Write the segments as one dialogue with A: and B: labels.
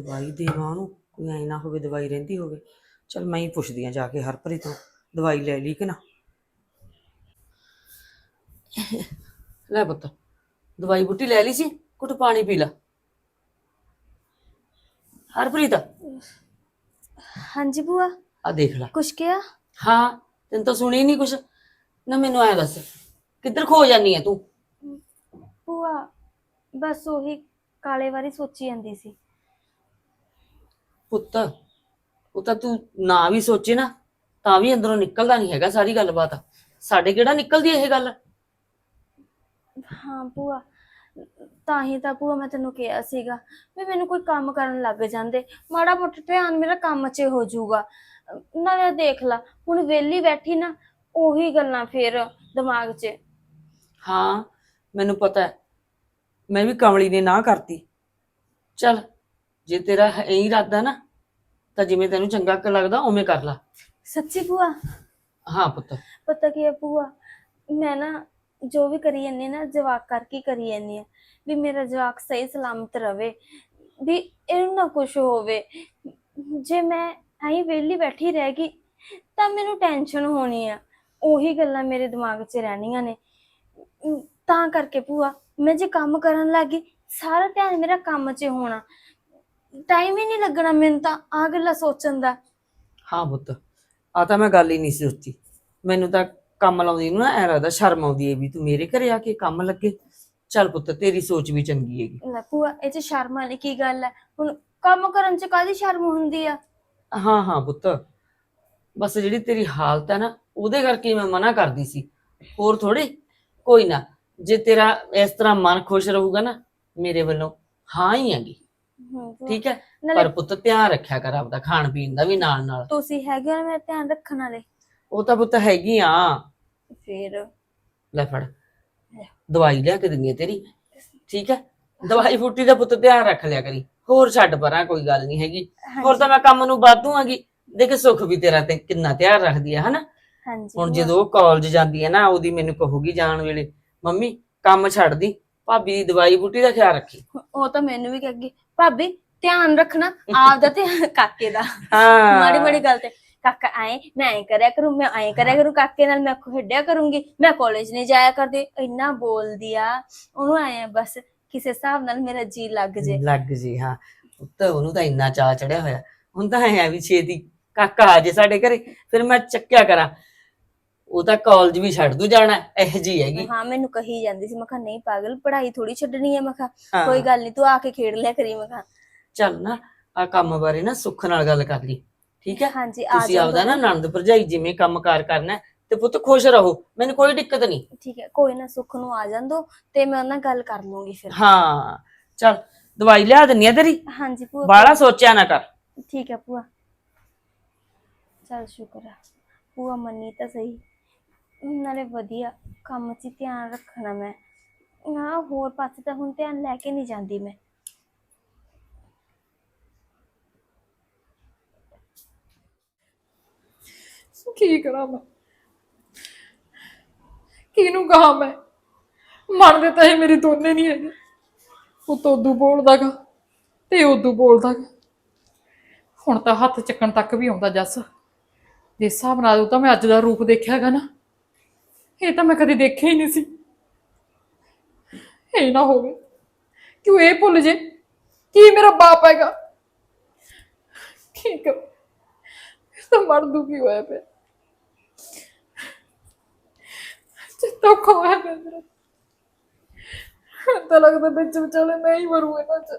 A: ਦਵਾਈ ਦੇਵਾਂ ਉਹਨੂੰ, ਕੋਈ ਐ ਨਾ ਹੋਵੇ ਦਵਾਈ ਰਹਿੰਦੀ ਹੋਵੇ। ਚਲ ਮੈਂ ਹੀ ਪੁੱਛਦੀ ਆ ਜਾ ਕੇ ਹਰਪ੍ਰੀਤ ਤੋਂ, ਦਵਾਈ ਲੈ ਲਈ ਕਿ ਨਾ। ਲੈ ਪੁੱਤ, ਦਵਾਈ ਬੂਟੀ ਲੈ ਲਈ ਸੀ, ਘੁੱਟ ਪਾਣੀ ਪੀ ਲਾ। ਹਰਪ੍ਰੀਤ
B: ਹਾਂਜੀ ਭੂਆ।
A: ਆ ਦੇਖ ਲਾ।
B: ਕੁਛ ਕਿਹਾ?
A: ਹਾਂ, ਤੈਨੂੰ ਤਾਂ ਸੁਣੀ ਨਹੀਂ ਕੁਛ ਨਾ। ਮੈਨੂੰ ਐ ਦੱਸ, ਕਿੱਧਰ ਖੋ ਜਾਨੀ ਐ ਤੂੰ?
B: ਭੂਆ ਬਸ ਉਹੀ ਕਾਲੇ ਬਾਰੇ ਸੋਚੀ ਜਾਂਦੀ ਸੀ।
A: ਪੁੱਤ, ਉਹ ਤਾਂ ਤੂੰ ਨਾ ਵੀ ਸੋਚੇ ਨਾ ਤਾਂ ਵੀ ਅੰਦਰੋਂ ਨਿਕਲਦਾ ਨਹੀਂ ਹੈਗਾ ਸਾਰੀ ਗੱਲਬਾਤ। ਸਾਡੇ ਕਿਹੜਾ ਨਿਕਲਦੀ ਇਹ ਗੱਲ।
B: ਹਾਂ ਭੂਆ, ਤਾਂ ਹੀ ਤਾਂ ਭੂਆ ਮੈਂ ਤੈਨੂੰ ਕਿਹਾ ਸੀਗਾ ਵੀ ਮੈਨੂੰ ਕੋਈ ਕੰਮ ਕਰਨ ਲੱਗ ਜਾਂਦੇ, ਮਾੜਾ ਮੋਟਾ ਧਿਆਨ ਮੇਰਾ ਕੰਮ 'ਚ ਹੋ ਜਾਊਗਾ। ਨਾਲੇ ਦੇਖ ਲਾ ਹੁਣ ਵਿਹਲੀ ਬੈਠੀ ਨਾ, ਉਹੀ ਗੱਲਾਂ ਫੇਰ ਦਿਮਾਗ 'ਚ।
A: ਹਾਂ ਮੈਨੂੰ ਪਤਾ ਹੈ, ਮੈਂ ਵੀ ਕਮਲੀ ਨੇ ਨਾ ਕਰਤੀ। ਚੱਲ ਜੇ ਤੇਰਾ ਇਹੀ ਇਰਾਦਾ ਨਾ ਤਾਂ ਜਿਵੇਂ ਤੈਨੂੰ ਚੰਗਾ ਲੱਗਦਾ ਉਵੇਂ ਕਰ ਲਾ।
B: ਸੱਚੀ ਭੂਆ?
A: ਹਾਂ ਪੁੱਤ।
B: ਪਤਾ ਕੀ ਹੈ ਭੂਆ, ਮੈਂ ਨਾ ਜੋ ਵੀ ਕਰੀ ਜਾਂਦੀ ਨਾ ਜਵਾਕ ਕਰਕੇ ਕਰੀ ਜਾਂਦੀ ਆ, ਵੀ ਮੇਰਾ ਜਵਾਕ ਸਹੀ ਸਲਾਮਤ ਰਵੇ, ਵੀ ਇਹਨੂੰ ਨਾ ਕੁਛ ਹੋਵੇ। ਜੇ ਮੈਂ ਐਂ ਵਿਹਲੀ ਬੈਠੀ ਰਹਿ ਗਈ ਤਾਂ ਮੈਨੂੰ ਟੈਨਸ਼ਨ ਹੋਣੀ ਆ, ਉਹੀ ਗੱਲਾਂ ਮੇਰੇ ਦਿਮਾਗ 'ਚ ਰਹਿਣੀਆਂ ਨੇ। ਤਾਂ ਕਰਕੇ ਭੂਆ ਮੈਂ ਜੇ ਕੰਮ ਕਰਨ ਲੱਗ ਗਈ, ਸਾਰਾ ਧਿਆਨ ਮੇਰਾ ਕੰਮ 'ਚ ਹੋਣਾ, ਟਾਈਮ ਹੀ ਨਹੀਂ ਲੱਗਣਾ ਮੈਨੂੰ ਤਾਂ ਆਹ ਗੱਲਾਂ ਸੋਚਣ ਦਾ।
A: ਹਾਂ ਪੁੱਤ, ਆ ਤਾਂ ਮੈਂ ਗੱਲ ਹੀ ਨਹੀਂ ਸੀ ਸੋਚੀ। ਮੈਨੂੰ ਤਾਂ ਕੰਮ ਲਾਉਂਦੀ ਨੂੰ ਨਾ ਐ ਲੱਗਦਾ ਸ਼ਰਮ ਆਉਂਦੀ ਹੈ ਵੀ ਤੂੰ ਮੇਰੇ ਘਰੇ ਆ ਕੇ ਕੰਮ ਲੱਗੇ। ਚੱਲ ਪੁੱਤ, ਤੇਰੀ ਸੋਚ ਵੀ ਚੰਗੀ ਹੈਗੀ।
B: ਲੈ ਭੂਆ, ਇਹ 'ਚ ਸ਼ਰਮ ਵਾਲੀ ਕੀ ਗੱਲ ਹੈ? ਹੁਣ ਕੰਮ ਕਰਨ 'ਚ ਕਾਹਦੀ ਸ਼ਰਮ ਹੁੰਦੀ ਆ?
A: ਹਾਂ ਹਾਂ ਪੁੱਤ, ਬਸ ਜਿਹੜੀ ਤੇਰੀ ਹਾਲਤ ਹੈ ਨਾ ਉਹਦੇ ਕਰਕੇ ਮੈਂ ਮਨਾ ਕਰਦੀ ਸੀ, ਹੋਰ ਥੋੜੀ। ਕੋਈ ਨਾ, ਜੇ ਤੇਰਾ ਇਸ ਤਰ੍ਹਾਂ ਮਨ ਖੁਸ਼ ਰਹੂਗਾ ਨਾ, ਮੇਰੇ ਵੱਲੋਂ ਹਾਂ ਹੀ ਹੈਗੀ। ਠੀਕ ਹੈ, ਪਰ ਪੁੱਤ ਧਿਆਨ ਰੱਖਿਆ ਕਰ ਆਪਦਾ, ਖਾਣ ਪੀਣ ਦਾ ਵੀ ਨਾਲ ਨਾਲ।
B: ਤੁਸੀਂ ਹੈਗੇ ਹੋ ਮੇਰਾ ਧਿਆਨ ਰੱਖਣ ਵਾਲੇ?
A: ਉਹ ਤਾਂ ਪੁੱਤ ਹੈਗੀ ਆ।
B: ਫੇਰ
A: ਲੈ ਫੜ, ਦਵਾਈ ਲਿਆ ਕੇ ਦਿੰਦੀ ਆ ਤੇਰੀ। ਠੀਕ ਹੈ, ਦਵਾਈ ਬੂਟੀ ਦਾ ਪੁੱਤ ਧਿਆਨ ਰੱਖ ਲਿਆ ਕਰੀ, ਹੋਰ ਛੱਡ ਪਰਾਂ, ਕੋਈ ਗੱਲ ਨਹੀਂ ਹੈਗੀ। ਹੋਰ ਤਾਂ ਮੈਂ ਕੰਮ ਨੂੰ ਵਾਧੂ ਆਂਗੀ। ਦੇਖ ਸੁੱਖ ਵੀ ਤੇਰਾ ਤੇ ਕਿੰਨਾ ਧਿਆਨ ਰੱਖਦੀ ਹੈ ਹਨਾ। ਹੁਣ ਜਦੋਂ ਉਹ ਕਾਲਜ ਜਾਂਦੀ ਹੈ ਨਾ, ਉਹਦੀ ਮੈਨੂੰ ਕਹੂਗੀ ਜਾਣ ਵੇਲੇ, ਮੰਮੀ ਕੰਮ ਛੱਡ ਦੀ, ਭਾਬੀ ਦੀ ਦਵਾਈ ਬੂਟੀ ਦਾ ਖਿਆਲ ਰੱਖੀ।
B: ਉਹ ਤਾਂ ਮੈਨੂੰ ਵੀ ਕਹੇਗੀ, ਭਾਬੀ ਧਿਆਨ ਰੱਖਣਾ ਆਪਦਾ ਤੇ ਕਾਕੇ ਦਾ।
A: ਹਾਂ
B: ਮਾੜੀ ਮਾੜੀ ਗੱਲ ਤੇ ਕਾਕਾ ਆਏ, ਮੈਂ ਐਂ ਕਰਿਆ ਕਰੂੰ, ਮੈਂ ਐਂ ਕਰਿਆ ਕਰੂੰ, ਕਾਕੇ ਨਾਲ ਮੈਂ ਖੇਡਿਆ ਕਰੂੰਗੀ, ਮੈਂ ਕਾਲਜ ਨਹੀਂ ਜਾਇਆ ਕਰਦੀ। ਇੰਨਾ ਬੋਲਦੀ ਆ, ਉਹਨੂੰ ਆਏ ਬਸ ਕਿਸੇ ਹਿਸਾਬ ਨਾਲ ਮੇਰਾ ਜੀ ਲੱਗ ਜੇ।
A: ਹਾਂ ਪੁੱਤ, ਉਹਨੂੰ ਤਾਂ ਇੰਨਾ ਚਾਅ ਚੜਿਆ ਹੋਇਆ। ਹੁਣ ਤਾਂ ਐ ਵੀ ਛੇਤੀ ਕਾਕਾ ਆ ਜੇ ਸਾਡੇ ਘਰੇ, ਫਿਰ ਮੈਂ ਚੱਕਿਆ ਕਰਾਂ। ਉਹ ਤਾਂ ਕਾਲਜ ਵੀ ਛੱਡ ਦੂ ਜਾਣਾ, ਇਹੋ ਜਿਹੀ ਹੈਗੀ।
B: ਹਾਂ ਮੈਨੂੰ ਕਹੀ ਜਾਂਦੀ ਸੀ, ਮੈਂ ਕਿਹਾ ਨਹੀਂ ਪਾਗਲ, ਪੜ੍ਹਾਈ ਥੋੜੀ ਛੱਡਣੀ ਹੈ। ਮੈਂ ਕਿਹਾ ਕੋਈ ਗੱਲ ਨੀ, ਤੂੰ ਆ ਕੇ ਖੇਡ ਲਿਆ ਕਰੀ। ਮੈਂ ਕਿਹਾ
A: ਚੱਲ ਨਾ, ਆ ਕੰਮ ਬਾਰੇ ਨਾ ਸੁੱਖ ਨਾਲ ਗੱਲ ਕਰ ਲਈ, ਠੀਕ ਹੈ?
B: ਹਾਂਜੀ,
A: ਤੁਸੀਂ ਆਪਦਾ ਨਾ ਨਣਦ ਭਰਜਾਈ ਜਿਵੇਂ ਕੰਮਕਾਰ ਕਰਨਾ ਤੇ ਪੁੱਤ ਖੁਸ਼ ਰਹੋ, ਮੈਨੂੰ ਕੋਈ ਦਿੱਕਤ ਨਹੀਂ।
B: ਠੀਕ ਹੈ, ਕੋਈ ਨਾ, ਸੁੱਖ ਨੂੰ ਆ ਜਾਣ ਦੋ ਤੇ ਮੈਂ ਉਹਨਾਂ ਨਾਲ ਗੱਲ ਕਰ ਲੂੰਗੀ ਫਿਰ।
A: ਹਾਂ ਚੱਲ, ਦਵਾਈ ਲਿਆ ਦਿੰਨੀ ਆ ਤੇਰੀ।
B: ਹਾਂਜੀ ਭੂਆ,
A: ਬਾਹਲਾ ਸੋਚਿਆ ਨਾ ਕਰ।
B: ਠੀਕ ਹੈ ਭੂਆ। ਚੱਲ ਸ਼ੁਕਰ ਹੈ ਭੂਆ ਮੰਨੀ ਤਾਂ ਸਹੀ, ਨਾਲੇ ਵਧੀਆ ਕੰਮ 'ਚ ਧਿਆਨ ਰੱਖਣਾ ਮੈਂ। ਹਾਂ ਹੋਰ ਪਾਸੇ ਤਾਂ ਹੁਣ ਧਿਆਨ ਲੈ ਕੇ ਨਹੀਂ ਜਾਂਦੀ ਮੈਂ।
C: ਕੀ ਕਰਾਂ ਮੈਂ, ਕਿਹਨੂੰ ਕਹਾਂ ਮੈਂ? ਮੰਨਦੇ ਤਾਂ ਇਹ ਮੇਰੇ ਦੋਨੇ ਨਹੀਂ ਹੈਗੇ। ਉਹ ਤਾਂ ਉਦੋਂ ਬੋਲਦਾ ਗਾ ਤੇ ਉਦੋਂ ਬੋਲਦਾ ਗਾ। ਹੁਣ ਤਾਂ ਹੱਥ ਚੱਕਣ ਤੱਕ ਵੀ ਆਉਂਦਾ ਜੱਸ। ਜਿਸ ਹਿਸਾਬ ਨਾਲ ਉਹ ਤਾਂ ਮੈਂ ਅੱਜ ਦਾ ਰੂਪ ਦੇਖਿਆ ਗਾ ਨਾ, ਇਹ ਤਾਂ ਮੈਂ ਕਦੇ ਦੇਖਿਆ ਹੀ ਨਹੀਂ ਸੀ। ਇਹ ਨਾ ਹੋਵੇ ਕਿ ਉਹ ਇਹ ਭੁੱਲ ਜੇ ਕੀ ਮੇਰਾ ਬਾਪ ਹੈਗਾ। ਕੀ ਕਰ, ਤਾਂ ਮਰ ਦੁਖੀ ਹੋਇਆ ਪਿਆ, ਚਿੱਤਾ ਖੋਇਆ ਪਿਆ ਮੇਰਾ। ਤਾਂ ਲੱਗਦਾ ਵਿੱਚ ਵਿਚਾਲੇ ਮੈਂ ਹੀ ਮਰੂ ਇਹਨਾਂ ਚ।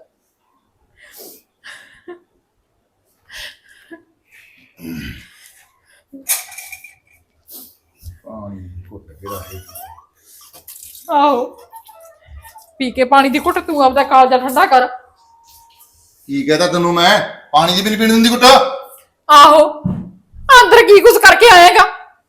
D: ਪਾਣੀ ਘੁੱਟ ਕੇ ਰੱਖ।
C: ਆਹੋ, ਪੀ ਕੇ ਪਾਣੀ ਦੀ ਘੁੱਟ ਤੂੰ ਆਪਦਾ ਕਾਲਜਾ ਠੰਡਾ ਕਰ।
D: ਕੀ ਕਹਤਾ ਤੈਨੂੰ ਮੈਂ? ਪਾਣੀ ਦੀ ਵੀ ਨੀ ਪੀਣ ਦਿੰਦੀ ਘੁੱਟ।
C: ਆਹੋ, ਅੰਦਰ ਕੀ ਕੁਛ ਕਰਕੇ ਆਏਗਾ?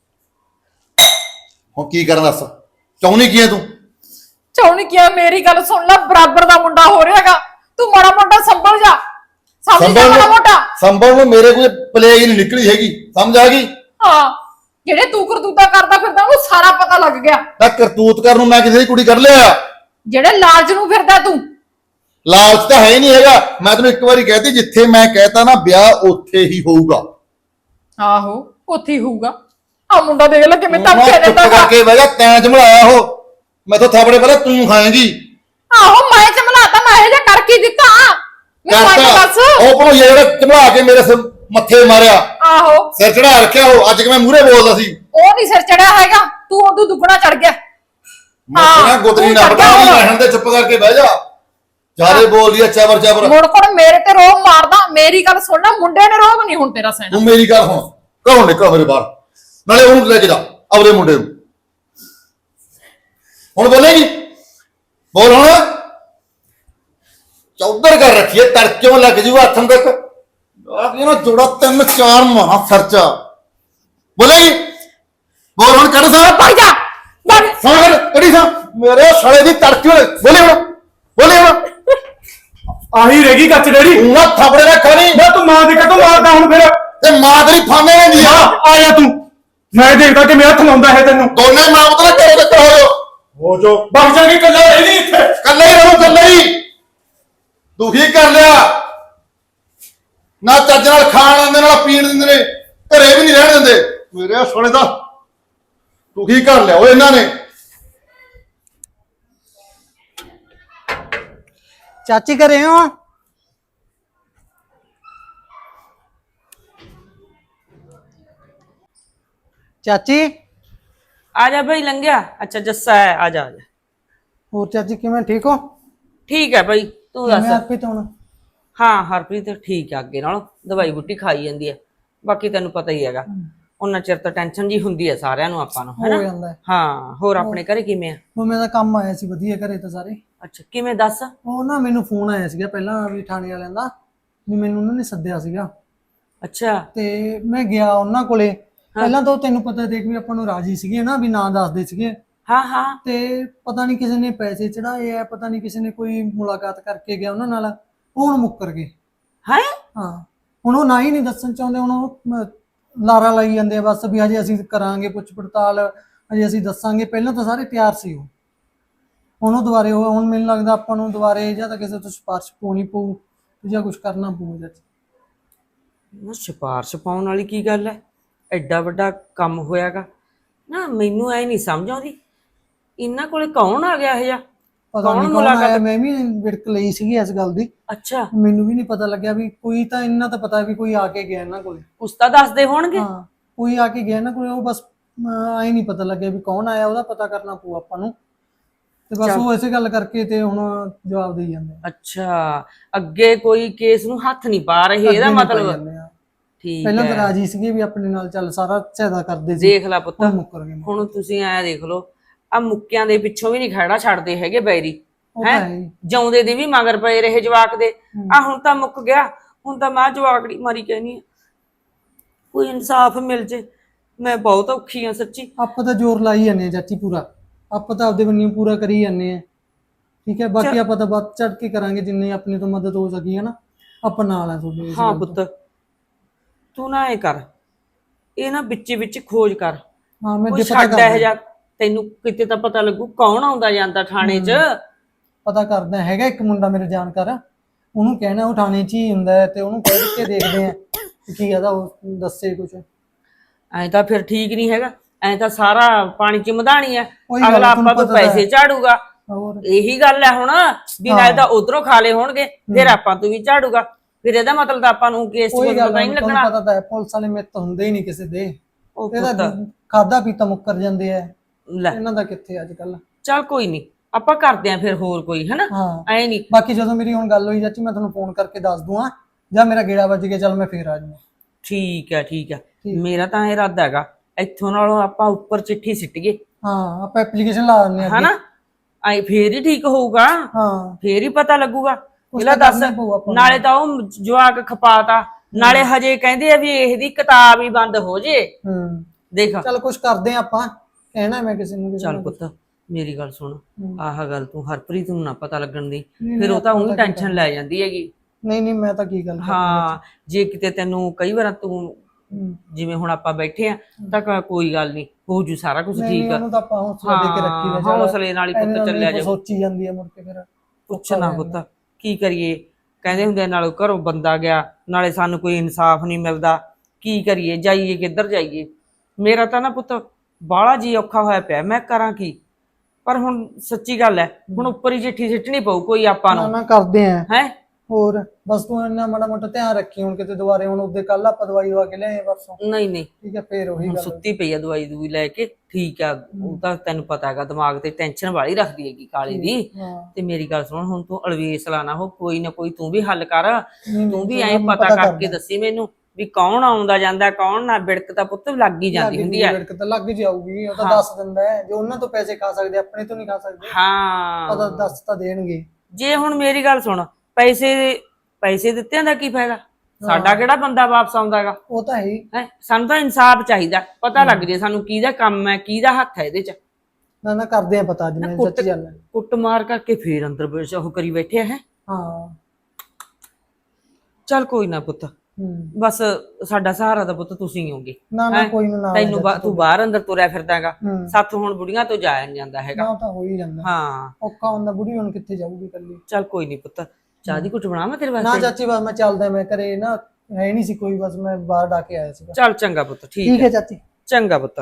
D: ਹੁਣ ਕੀ ਕਰਨ ਦੱਸ, ਚਾਹੁੰਦੀ ਕੀ ਹੈ ਤੂੰ?
C: ਚਾਹੁੰਦੀ ਕੀ ਆ? ਮੇਰੀ ਗੱਲ ਸੁਣ ਲੈ, ਬਰਾਬਰ ਦਾ ਮੁੰਡਾ ਹੋ ਰਿਹਾਗਾ, ਤੂੰ ਮਾੜਾ ਮੋਟਾ ਸੰਭਲ ਜਾ। ਸਮਝ ਜਾ ਮਾੜਾ ਮੋਟਾ।
D: ਸੰਭਲ ਨੂੰ ਮੇਰੇ ਕੋਈ ਪਲੇਗ ਹੀ ਨਹੀਂ ਨਿਕਲੀ ਹੈਗੀ, ਸਮਝ ਆ ਗਈ?
C: ਹਾਂ, ਜਿਹੜੇ ਤੂੰ ਕਰਤੂਤਾ ਕਰਦਾ ਫਿਰਦਾ ਉਹਨੂੰ ਸਾਰਾ ਪਤਾ ਲੱਗ ਗਿਆ।
D: ਤਾਂ ਕਰਤੂਤ ਕਰਨ ਨੂੰ ਮੈਂ ਕਿਸੇ ਦੀ ਕੁੜੀ ਕਰ ਲਿਆ?
C: ਜਿਹੜੇ ਲਾਲਚ ਨੂੰ ਫਿਰਦਾ ਤੂੰ,
D: ਲਾਲਚ ਤਾਂ ਹੈ ਹੀ ਨਹੀਂ ਹੈਗਾ। ਮੈਂ ਤੈਨੂੰ ਇੱਕ ਵਾਰੀ ਕਹਿਤੀ, ਜਿੱਥੇ ਮੈਂ ਕਹਿਤਾ ਨਾ ਵਿਆਹ ਉੱਥੇ ਹੀ ਹੋਊਗਾ।
C: ਆਹੋ ਉੱਥੇ ਹੀ ਹੋਊਗਾ। ਆ ਮੁੰਡਾ ਦੇਖ ਲੈ ਕਿਵੇਂ
D: ਤੂੰ
C: ਧੱਕੇ
D: ਨਾ
C: ਦਿੰਦਾ
D: ਚੁੱਪ
C: ਗਾ।
D: ਕਰਕੇ ਬਹਿ ਜਾ, ਤੈਂ ਜਮਲਾਇਆ ਉਹ। ਮੈਥੋਂ ਥਾਪੜੇ ਪਹਿਲਾਂ ਤੂੰ ਖਾਏਂਗੀ।
C: ਆਹੋ ਮੈਂ ਚਮਲਾਤਾ, ਮੈਂ ਇਹ ਜਿਹਾ ਕਰ ਕੀ ਦਿੱਤਾ ਮੈਨੂੰ ਅੱਜ ਦੱਸ।
D: ਉਹ ਭਣੋਈਆ ਜਿਹੜਾ ਚਮਲਾ ਕੇ ਮੇਰੇ ਸਿਰ ਮੱਥੇ ਮਾਰਿਆ,
C: ਆਹੋ
D: ਸਿਰ ਚੜਾ ਰੱਖਿਆ ਉਹ। ਅੱਜ ਕਿ ਮੈਂ ਮੂਹਰੇ ਬੋਲਦਾ ਸੀ,
C: ਉਹ ਨਹੀਂ ਸਿਰ ਚੜਿਆ ਹੈਗਾ, ਤੂੰ ਉਦੋਂ ਦੁੱਗਣਾ ਚੜ ਗਿਆ।
D: ਮੈਂ ਕਿਹਾ ਗੁੱਤਰੀ
C: ਤੂੰ
D: ਨਾ
C: ਚੜ੍ਹ ਗਿਆ
D: ਬਤਾ,
C: ਹੁਣ।
D: ਰਹਿਣ ਦੇ, ਚੁੱਪ ਕਰਕੇ ਬਹਿ ਜਾ। ਜਿਆਦੇ ਬੋਲਦੀ ਆ ਚਬਰ ਚਬਰ।
C: ਮੁੜ ਕੋਣ ਮੇਰੇ ਤੇ ਰੋਬ ਮਾਰਦਾ। ਮੇਰੀ ਗੱਲ ਸੁਣ ਲੈ, ਮੁੰਡੇ ਨੇ ਰੋਬ ਨਹੀਂ ਹੁਣ ਤੇਰਾ ਸਹਿਣਾ।
D: ਤੂੰ ਮੇਰੀ ਗੱਲ ਹੁਣ ਘਰੋਂ ਨਿਕਲ ਮੇਰੇ ਬਾਹਰ, ਨਾਲੇ ਉਹਨੂੰ ਲੈ ਕੇ ਜਾ ਆਪਣੇ ਮੁੰਡੇ ਨੂੰ। ਹੁਣ ਬੋਲੇਗੀ, ਬੋਲ ਹੁਣ। ਚੌਧਰ ਕਰ ਰੱਖੀਏ, ਤੜਕਿਓਂ ਲੱਗ ਜੂ ਹੱਥਾਂ ਤੱਕ ਆ ਕੇ ਨਾ ਜੋੜਾ 3-4 ਮਾਂ ਖਰਚਾ। ਬੋਲੇਗੀ, ਬੋਲ ਹੁਣ। ਕੱਢ ਸਾਹ
C: ਭਾਈ ਜਾ ਬਣ।
D: ਸਾਹ ਕੱਢੀ ਸਾਹ ਮੇਰੇ ਸਾਲੇ ਦੀ ਤੜਕਿਓਂ। ਬੋਲੇ ਹੁਣ, ਬੋਲੇ ਹੁਣ।
E: ਆਹੀ ਰਹਿ ਗਈ ਕੱਚ ਡੈਡੀ।
D: ਤੂੰ ਨਾ ਥਾਪੜੇ ਨਾ ਖਾਣੀ।
E: ਮੈਂ ਤੂੰ ਮਾਂ ਦੇ ਕਦੋਂ ਮਾਰਦਾ ਹੁਣ ਫਿਰ?
D: ਤੇ ਮਾਂ ਤੇਰੀ ਫਾਮੇ ਲੈਂਦੀ ਆ।
E: ਆ ਜਾ ਤੂੰ, ਮੈਂ ਦੇਖਦਾ ਕਿ ਮੈਂ ਹੱਥ ਲਾਉਂਦਾ ਹੈ ਤੈਨੂੰ।
D: ਦੋਨੇ ਮਾਂ ਮਤਲਬ ਘਰੋਂ ਤੱਕ ਹੋ ਜਾਓ।
E: ਹੋ ਜੋ ਬਗ ਜਾਗੀ, ਕੱਲਾ ਰਹਿ ਨਹੀਂ ਇੱਥੇ।
D: ਕੱਲੇ ਹੀ ਰਹੋ, ਕੱਲੇ ਹੀ। ਦੁਖੀ ਕਰ ਲਿਆ ਨਾ, ਚੱਜ ਨਾਲ ਖਾਣ ਆਉਂਦੇ, ਨਾਲ ਪੀਣ ਦਿੰਦੇ ਨੇ, ਘਰੇ ਵੀ ਨਹੀਂ ਰਹਿਣ ਦਿੰਦੇ। ਮੇਰੇ ਸੋਨੇ ਦਾ ਦੁਖੀ ਕਰ ਲਿਆ ਉਹ ਇਹਨਾਂ ਨੇ।
F: ਚਾਚੀ ਘਰੇ ਹੋ? ਚਾਚੀ
A: ਆ ਜਾ ਭਾਈ, ਲੰਘਿਆ। ਅੱਛਾ ਜੱਸਾ ਹੈ, ਆ ਜਾ ਆ ਜਾ।
F: ਹੋਰ ਚਾਚੀ ਕਿਵੇਂ, ਠੀਕ ਹੋ?
A: ਠੀਕ ਹੈ ਭਾਈ, ਤੂੰ ਦੱਸ।
F: ਮੈਂ ਆਪੇ ਤੋਂ
A: ਹਾਂ ਹਰਪ੍ਰੀਤ ਠੀਕ ਆ, ਅੱਗੇ ਨਾਲੋਂ ਦਵਾਈ ਬੂਟੀ ਖਾਈ ਜਾਂਦੀ ਹੈ। ਬਾਕੀ ਤੈਨੂੰ ਪਤਾ ਹੀ ਹੈਗਾ, ਉਹਨਾਂ ਚਿਰ ਤਾਂ ਟੈਨਸ਼ਨ ਜੀ ਹੁੰਦੀ ਹੈ ਸਾਰਿਆਂ ਨੂੰ, ਆਪਾਂ ਨੂੰ,
F: ਹੋ
A: ਹੈਨਾ।
F: ਜਾਂਦਾ ਹੈ।
A: ਹਾਂ, ਹੋਰ ਆਪਣੇ ਘਰੇ ਕਿਵੇਂ ਆ?
F: ਉਹ ਮੇਰਾ ਕੰਮ ਆਇਆ ਸੀ, ਵਧੀਆ ਘਰੇ ਤਾਂ ਸਾਰੇ।
A: ਅੱਛਾ ਕਿਵੇਂ, ਦੱਸ।
F: ਉਹ ਨਾ ਮੈਨੂੰ ਫੋਨ ਆਇਆ ਸੀਗਾ ਪਹਿਲਾਂ ਵੀ ਥਾਣੇ ਵਾਲਿਆਂ ਦਾ, ਵੀ ਮੈਨੂੰ ਉਹਨਾਂ ਨੇ ਸੱਦਿਆ ਸੀਗਾ
A: ਅੱਛਾ
F: ਤੇ ਮੈਂ ਗਿਆ ਉਹਨਾਂ ਕੋਲੇ। ਪਹਿਲਾਂ ਤਾਂ ਉਹ ਤੈਨੂੰ ਪਤਾ ਦੇਖ ਵੀ ਆਪਾਂ ਨੂੰ ਰਾਜੀ ਸੀਗੇ ਨਾ, ਵੀ ਨਾਂ ਦੱਸਦੇ ਸੀਗੇ।
A: ਹਾਂ ਹਾਂ।
F: ਤੇ ਪਤਾ ਨਹੀਂ ਕਿਸੇ ਨੇ ਪੈਸੇ ਚੜਾਏ ਆ, ਪਤਾ ਨਹੀਂ ਕਿਸੇ ਨੇ ਕੋਈ ਮੁਲਾਕਾਤ ਕਰਕੇ ਗਿਆ ਉਹਨਾਂ ਨਾਲ, ਉਹ ਹੁਣ ਮੁੱਕਰ ਗਏ।
A: ਹੈ
F: ਹਾਂ, ਹੁਣ ਉਹ ਨਾ ਹੀ ਨਹੀਂ ਦੱਸਣ ਚਾਹੁੰਦੇ। ਹੁਣ ਉਹ ਲਾਰਾ ਲਾਈ ਜਾਂਦੇ ਆ ਬਸ, ਵੀ ਹਜੇ ਅਸੀਂ ਕਰਾਂਗੇ ਪੁੱਛ ਪੜਤਾਲ, ਹਜੇ ਅਸੀਂ ਦੱਸਾਂਗੇ। ਪਹਿਲਾਂ ਤਾਂ ਸਾਰੇ ਤਿਆਰ ਸੀ ਉਹ। ਹੁਣ ਉਹ ਦੁਬਾਰੇ ਹੁਣ ਮੈਨੂੰ ਲੱਗਦਾ ਆਪਾਂ ਨੂੰ ਦੁਬਾਰੇ ਜਾਂ ਤਾਂ ਕਿਸੇ ਤੋਂ ਸਿਫਾਰਿਸ਼ ਪਾਉਣੀ ਪਊ ਜਾਂ ਕੁਝ ਕਰਨਾ ਪਊ।
A: ਨਾ ਸਿਫਾਰਿਸ਼ ਪਾਉਣ ਵਾਲੀ ਕੀ ਗੱਲ ਹੈ? ਐਡਾ ਵੱਡਾ ਕੰਮ ਹੋਇਆਗਾ ਨਾ, ਮੈਨੂੰ ਐ ਨਹੀਂ ਸਮਝ ਆਉਂਦੀ ਇਹਨਾਂ ਕੋਲੇ ਕੌਣ ਆ ਗਿਆ ਇਹ ਜਾ।
F: ਪਤਾ ਨਹੀਂ ਕੌਣ ਆਇਆ, ਮੈਂ ਵੀ ਵਿੜਕ ਲਈ ਸੀਗੀ ਇਸ ਗੱਲ ਦੀ।
A: ਅੱਛਾ,
F: ਮੈਨੂੰ ਵੀ ਨਹੀਂ ਪਤਾ ਲੱਗਿਆ ਵੀ ਕੋਈ, ਤਾਂ ਇੰਨਾ ਤਾਂ ਪਤਾ ਵੀ ਕੋਈ ਆ ਕੇ ਗਿਆ ਇਹਨਾਂ ਕੋਲੇ।
A: ਉਸ ਤਾਂ ਦੱਸਦੇ ਹੋਣਗੇ।
F: ਹਾਂ, ਕੋਈ ਆ ਕੇ ਗਿਆ ਇਹਨਾਂ ਕੋਲੇ, ਉਹ ਬਸ ਆਏ ਨਹੀਂ ਪਤਾ ਲੱਗਿਆ ਵੀ ਕੌਣ ਆਇਆ, ਉਹਦਾ ਪਤਾ ਕਰਨਾ ਪਊ ਆਪਾਂ ਨੂੰ। ਤੇ ਬਸ ਉਹ ਇਸੇ ਗੱਲ ਕਰਕੇ ਤੇ ਹੁਣ ਜਵਾਬ ਦੇਈ ਜਾਂਦੇ ਆ।
A: ਅੱਛਾ, ਅੱਗੇ ਕੋਈ ਕੇਸ ਨੂੰ ਹੱਥ ਨਹੀਂ ਪਾ ਰਹੇ, ਇਹਦਾ ਮਤਲਬ। ਠੀਕ
F: ਪਹਿਲਾਂ ਤਾਂ
A: ਹੈ,
F: ਰਾਜੀ ਸੀਗੇ ਵੀ ਆਪਣੇ ਨਾਲ ਚੱਲ ਸਾਰਾ ਸਹਾਇਤਾ ਕਰਦੇ ਸੀ।
A: ਦੇਖ ਲੈ ਪੁੱਤ,
F: ਹੁਣ ਮੁੱਕਰ ਗਏ।
A: ਹੁਣ ਤੁਸੀਂ ਐ ਦੇਖ ਲਓ, ਆ ਮੁੱਕਿਆਂ ਦੇ ਪਿੱਛੋਂ ਵੀ ਨਹੀਂ ਖੜਾ ਛੱਡਦੇ ਹੈਗੇ ਬੈਰੀ।
F: ਉਹ ਤਾਂ
A: ਹੈ
F: ਹੈ ਹੀ।
A: ਜਿਉਂਦੇ ਦੇ ਵੀ ਮਗਰ ਪਏ ਰਹੇ ਜਵਾਕ ਦੇ। ਆ ਹੁਣ ਤਾਂ ਮੁੱਕ ਗਿਆ, ਹੁਣ ਤਾਂ ਮੈਂ ਜਵਾਕੜੀ ਮਾਰੀ ਕਹਿਨੀ ਆ, ਕੋਈ ਇਨਸਾਫ ਮਿਲ ਜੇ। ਮੈਂ ਬਹੁਤ ਔਖੀ ਆ ਸੱਚੀ।
F: ਆਪਾਂ ਤਾਂ ਜ਼ੋਰ ਲਾਈ ਜਾਂਦੇ ਆ ਚਾਚੀ ਪੂਰਾ, ਆਪਾਂ ਤਾਂ ਆਪਦੇ ਬੰਨਿਓ ਪੂਰਾ ਕਰੀ ਜਾਂਦੇ ਆ। ਠੀਕ ਹੈ, ਬਾਕੀ ਆਪਾਂ ਤਾਂ ਵੱਧ ਚੜ ਕੇ ਕਰਾਂਗੇ, ਜਿੰਨੀ ਆਪਣੀ ਤੋਂ ਮਦਦ ਹੋ ਸਕੀ ਹੈ ਨਾ, ਆਪਾਂ ਨਾਲ ਆ ਤੁਹਾਡੇ ਇਸ
A: ਹਾਂ
F: ਗੱਲ ਤੋਂ।
A: ਪੁੱਤ, ਤੂੰ ਨਾ ਐ ਕਰ, ਇਹ ਨਾ ਵਿੱਚ ਖੋਜ ਕਰ।
F: ਹਾਂ, ਮੈਂ
A: ਕੋਈ
F: ਜੇ ਪਤਾ
A: ਛੱਡ ਇਹ
F: ਕਰਦਾ,
A: ਜਾ, ਤੈਨੂੰ ਕਿਤੇ ਤਾਂ ਪਤਾ ਲੱਗੂ ਕੌਣ ਆਉਂਦਾ ਜਾਂਦਾ ਥਾਣੇ 'ਚ।
F: ਪਤਾ ਕਰਦਾ ਹੈਗਾ ਇੱਕ ਮੁੰਡਾ ਮੇਰੇ ਜਾਣਕਾਰ, ਉਹਨੂੰ ਕਹਿਣਾ ਉਹ ਥਾਣੇ 'ਚ ਹੀ ਹੁੰਦਾ ਹੈ, ਤੇ ਉਹਨੂੰ ਕਹਿ ਕੇ ਦੇਖਦੇ ਆ ਕੀ ਆਦਾ, ਉਹ ਦੱਸੇ ਕੁਝ।
A: ਐਂ ਤਾਂ ਫਿਰ ਠੀਕ ਨਹੀਂ ਹੈਗਾ, ਐਂ ਤਾਂ ਸਾਰਾ ਪਾਣੀ 'ਚ ਮਧਾਣੀ ਹੈ।
F: ਉਹੀ ਗੱਲ,
A: ਅਗਲਾ
F: ਤੁਹਾਨੂੰ
A: ਆਪਾਂ ਤੋਂ
F: ਪਤਾ ਤਾਂ
A: ਪੈਸੇ ਝਾੜੂਗਾ।
F: ਹੋਰ
A: ਇਹੀ ਗੱਲ ਹੈ ਹੁਣ, ਵੀ ਨਾਲੇ ਤਾਂ ਉਧਰੋਂ ਖਾ ਲਏ ਹੋਣਗੇ, ਫਿਰ ਆਪਾਂ ਤੋਂ ਵੀ ਝਾੜੂਗਾ। ਫਿਰ ਇਹਦਾ ਮਤਲਬ ਤਾਂ ਆਪਾਂ ਨੂੰ ਕੇਸ 'ਚ
F: ਉਹੀ ਗੱਲ
A: ਪਤਾ ਹੀ ਨਹੀਂ
F: ਤੁਹਾਨੂੰ
A: ਲੱਗਣਾ।
F: ਪਤਾ ਤਾਂ ਹੈ, ਪੁਲਿਸ ਵਾਲੇ ਮਿੱਤ ਹੁੰਦੇ ਹੀ ਨਹੀਂ ਕਿਸੇ ਦੇ।
A: ਉਹ
F: ਇਹਦਾ
A: ਪੁੱਤ
F: ਖਾਦਾ ਪੀਤਾ ਮੁੱਕਰ ਜਾਂਦੇ ਆ,
A: ਲੈ,
F: ਇਹਨਾਂ ਦਾ ਕਿੱਥੇ ਅੱਜ ਕੱਲ।
A: ਚੱਲ ਕੋਈ ਨਹੀਂ, ਆਪਾਂ ਕਰਦੇ ਆਂ ਫਿਰ ਹੋਰ ਕੋਈ, ਹੈਨਾ।
F: ਹਾਂ,
A: ਐ ਨਹੀਂ,
F: ਬਾਕੀ ਜਦੋਂ ਮੇਰੀ ਹੁਣ ਗੱਲ ਹੋਈ ਚਾਚੀ, ਮੈਂ ਤੁਹਾਨੂੰ ਫੋਨ ਕਰਕੇ ਦੱਸ ਦੂੰਗਾ, ਜਾਂ ਮੇਰਾ ਗੇੜਾ ਵੱਜ ਗਿਆ, ਚੱਲ ਮੈਂ ਫੇਰ ਆ ਜਾਊਂਗਾ।
A: ਠੀਕ ਹੈ ਠੀਕ ਹੈ। ਮੇਰਾ ਤਾਂ ਇਹ ਇਰਾਦਾ ਹੈਗਾ, ਇੱਥੋਂ ਨਾਲੋਂ ਆਪਾਂ ਉੱਪਰ ਚਿੱਠੀ ਸਿੱਟੀਏ,
F: ਹਾਂ, ਆਪਾਂ ਐਪਲੀਕੇਸ਼ਨ ਲਾ ਦਿੰਦੇ ਆ।
A: ਹਨਾ। ਐ ਫੇਰ ਹੀ ਠੀਕ ਹੋਊਗਾ,
F: ਹਾਂ,
A: ਫੇਰ ਹੀ ਪਤਾ ਲੱਗੂਗਾ।
F: ਕੁਛ
A: ਇਹਲਾ
F: ਤਾਂ
A: ਦੱਸ,
F: ਕਰਨਾ ਪਊ ਆਪਾਂ ਨੂੰ।
A: ਨਾਲੇ ਤਾਂ ਉਹ ਜਵਾਕ ਖਪਾਤਾ, ਨਾਲੇ ਹਜੇ ਕਹਿੰਦੇ ਆ ਵੀ ਇਹਦੀ ਕਿਤਾਬ ਹੀ ਬੰਦ ਹੋ ਜੇ। ਦੇਖ,
F: ਚੱਲ ਕੁਛ ਕਰਦੇ ਆ ਆਪਾਂ, ਕਹਿਣਾ ਮੈਂ ਕਿਸੇ ਨੂੰ
A: ਚੱਲ ਪੁੱਤ ਮੇਰੀ ਗੱਲ ਸੁਣ, ਆਹ ਗੱਲ ਤੂੰ ਹਰਪ੍ਰੀਤ ਨੂੰ ਨਾ ਪਤਾ ਲੱਗਣ ਦੀ,
F: ਨਹੀਂ,
A: ਫਿਰ ਉਹ ਤਾਂ
F: ਆਪਾਂ
A: ਉਹਨੂੰ
F: ਤਾਂ
A: ਟੈਨਸ਼ਨ ਲੈ ਜਾਂਦੀ ਹੈਗੀ।
F: ਨਹੀਂ ਮੈਂ ਤਾਂ ਕੀ ਗੱਲ ਕਰਨੀ
A: ਹਾਂ, ਜੇ ਕਿਤੇ ਤੈਨੂੰ ਕਈ ਵਾਰ ਤੂੰ
F: ਹੂੰ।
A: ਜਿਵੇਂ ਹੁਣ ਆਪਾਂ ਬੈਠੇ ਆ ਤਾਂ ਕੋਈ ਗੱਲ ਨਹੀਂ, ਹੋ ਜੂ ਸਾਰਾ ਕੁਝ
F: ਨਹੀਂ,
A: ਠੀਕ ਆ।
F: ਉਹਨੂੰ ਤਾਂ ਆਪਾਂ ਹੌਸਲਾ ਦੇ ਕੇ ਰੱਖੀ ਦਾ, ਚੱਲ
A: ਹੌਸਲੇ ਨਾਲ ਹੀ ਪੁੱਤ
F: ਐਵੇਂ
A: ਚੱਲਿਆ
F: ਨਹੀਂ
A: ਜਾ।
F: ਸੋਚੀ ਜਾਂਦੀ ਹੈ ਮੁੜ ਕੇ ਫਿਰ।
A: ਪੁੱਛਣਾ ਪੁੱਤ ਕੀ ਕਰੀਏ, ਕਹਿੰਦੇ ਹੁੰਦੇ ਨਾਲੇ ਘਰੋਂ ਬੰਦਾ ਗਿਆ, ਨਾਲੇ ਸਾਨੂੰ ਕੋਈ ਇਨਸਾਫ ਨਹੀਂ ਮਿਲਦਾ, ਕੀ ਕਰੀਏ, ਜਾਈਏ ਕਿੱਧਰ ਜਾਈਏ। ਮੇਰਾ ਤਾਂ ਨਾ ਪੁੱਤ ਬਾਹਲਾ ਜੀ ਔਖਾ ਹੋਇਆ ਪਿਆ, ਮੈਂ ਕਰਾਂ ਕੀ। ਪਰ ਹੁਣ ਸੱਚੀ ਗੱਲ ਹੈ, ਹੁਣ ਉੱਪਰ ਹੀ ਚਿੱਠੀ ਸਿੱਟਣੀ ਪਊ ਕੋਈ ਆਪਾਂ
F: ਨਾ
A: ਨੂੰ।
F: ਨਾ ਕਰਦੇ ਆ
A: ਹੈ
F: ਹੋਰ ਬਸ ਤੂੰ ਇੰਨਾ ਮਾੜਾ ਮੋਟਾ ਧਿਆਨ ਰੱਖੀ ਹੁਣ ਕਿਤੇ ਦੁਬਾਰੇ ਹੁਣ ਉਹਦੇ ਕੱਲ ਆਪਾਂ ਦਵਾਈ ਦਵਾ ਕੇ ਲਿਆਏ ਪਰਸੋਂ
A: ਨਹੀਂ ਨਹੀਂ,
F: ਠੀਕ ਹੈ ਫੇਰ ਉਹੀ
A: ਹੁਣ
F: ਗੱਲ
A: ਸੁੱਤੀ ਪਈ ਆ ਦਵਾਈ ਦੂਈ ਲੈ ਕੇ, ਠੀਕ ਆ। ਉਹ ਤਾਂ ਤੈਨੂੰ ਪਤਾ ਹੈਗਾ ਦਿਮਾਗ ਤੇ ਟੈਨਸ਼ਨ ਵਾਲੀ ਰੱਖਦੀ ਹੈਗੀ ਕਾਲੀ ਦੀ।
F: ਹਾਂ
A: ਤੇ ਮੇਰੀ ਗੱਲ ਸੁਣ, ਹੁਣ ਤੂੰ ਅਲਵੇਸ ਲਾਣਾ ਹੋ, ਕੋਈ ਨਾ ਕੋਈ ਤੂੰ ਵੀ ਹੱਲ ਕਰ।
F: ਨਹੀਂ,
A: ਤੂੰ ਵੀ
F: ਚਲੋ
A: ਐਂ
F: ਮੈਂ
A: ਪਤਾ
F: ਪਤਾ
A: ਕਰਕੇ
F: ਕਰਦਾ।
A: ਦੱਸੀ ਮੈਨੂੰ ਵੀ ਕੌਣ ਆਉਂਦਾ ਜਾਂਦਾ ਕੌਣ ਨਾ। ਬਿੜਕ ਤਾਂ ਪੁੱਤ ਲੱਗ ਹੀ ਜਾਂਦੀ ਹੁੰਦੀ ਹੈ।
F: ਲੜਕ ਤਾਂ ਲੱਗ ਜਾਊਗੀ, ਉਹ ਤਾਂ
A: ਹਾਂ।
F: ਦੱਸ ਦਿੰਦਾ ਹੈ, ਜੋ ਉਹਨਾਂ ਤੋਂ ਪੈਸੇ ਖਾ ਸਕਦੇ ਆਪਣੇ ਤੋਂ ਨਹੀਂ ਖਾ ਸਕਦੇ।
A: ਹਾਂ
F: ਪਤਾ ਦੱਸ ਤਾਂ ਦੇਣਗੇ।
A: ਜੇ ਹੁਣ ਮੇਰੀ ਗੱਲ ਸੁਣ, ਪੈਸੇ ਦਿੱਤਿਆਂ ਦਾ ਕੀ ਫਾਇਦਾ, ਸਾਡਾ ਕਿਹੜਾ ਬੰਦਾ ਵਾਪਸ ਆਉਂਦਾਗਾ।
F: ਉਹ ਤਾਂ ਹੈ ਹੀ।
A: ਹੈ ਸਾਨੂੰ ਤਾਂ ਇਨਸਾਫ ਚਾਹੀਦਾ, ਪਤਾ ਲੱਗ ਜੇ ਸਾਨੂੰ ਕਿਹਦਾ ਕੰਮ ਹੈ ਕਿਹਦਾ ਹੱਥ ਹੈ ਇਹਦੇ ਚ।
F: ਨਾ ਨਾ ਕਰਦੇ ਆ ਪਤਾ ਅੱਜ ਮੈਂ
A: ਕੁੱਟ
F: ਸੱਚੀ ਗੱਲ ਹੈ।
A: ਕੁੱਟ ਮਾਰ ਕਰਕੇ ਫੇਰ ਅੰਦਰ ਬੈਠ ਉਹ ਕਰੀ ਬੈਠੇ ਹੈ।
F: ਹਾਂ
A: ਚੱਲ ਕੋਈ ਨਾ ਪੁੱਤ,
F: ਹੂੰ
A: ਬਸ ਸਾਡਾ ਸਹਾਰਾ ਤਾਂ ਪੁੱਤ ਤੁਸੀਂ ਹੋਗੇ।
F: ਨਾ ਨਾ ਕੋਈ ਨਾ
A: ਤੈਨੂੰ ਤੂੰ ਬਾਹਰ ਅੰਦਰ ਤੁਰਿਆ ਫਿਰਦਾਗਾ,
F: ਹੂੰ
A: ਸਾਥੋਂ ਹੁਣ ਬੁੜੀਆਂ ਤੋਂ ਜਾਇਆ ਨੀ ਜਾਂਦਾ ਹੈਗਾ।
F: ਨਾ ਉਹ ਤਾਂ ਹੋ ਹੀ ਜਾਂਦਾ।
A: ਹਾਂ
F: ਔਖਾ ਹੁੰਦਾ, ਬੁੜੀ ਹੁਣ ਕਿੱਥੇ ਜਾਊਗੀ ਇਕੱਲੀ।
A: ਚੱਲ ਕੋਈ ਨਹੀਂ ਪੁੱਤ, ਚਾਹ ਦੀ ਘੁੱਟ ਬਣਾਵਾਂ ਤੇਰੇ
F: ਨਾ
A: ਵਾਸਤੇ?
F: ਚਾਚੀ ਬਸ ਮੈਂ ਚੱਲਦਾ, ਮੈਂ ਘਰੇ ਨਾ ਹੈ ਨਹੀਂ ਸੀ ਕੋਈ, ਬਸ ਮੈਂ ਬਾਹਰ ਡਾ ਕੇ ਆਇਆ ਸੀਗਾ।
A: ਚੱਲ ਚੰਗਾ ਪੁੱਤ,
F: ਠੀਕ
A: ਠੀਕ
F: ਹੈ
A: ਹੈ,
F: ਚਾਚੀ।
A: ਚੰਗਾ ਪੁੱਤ।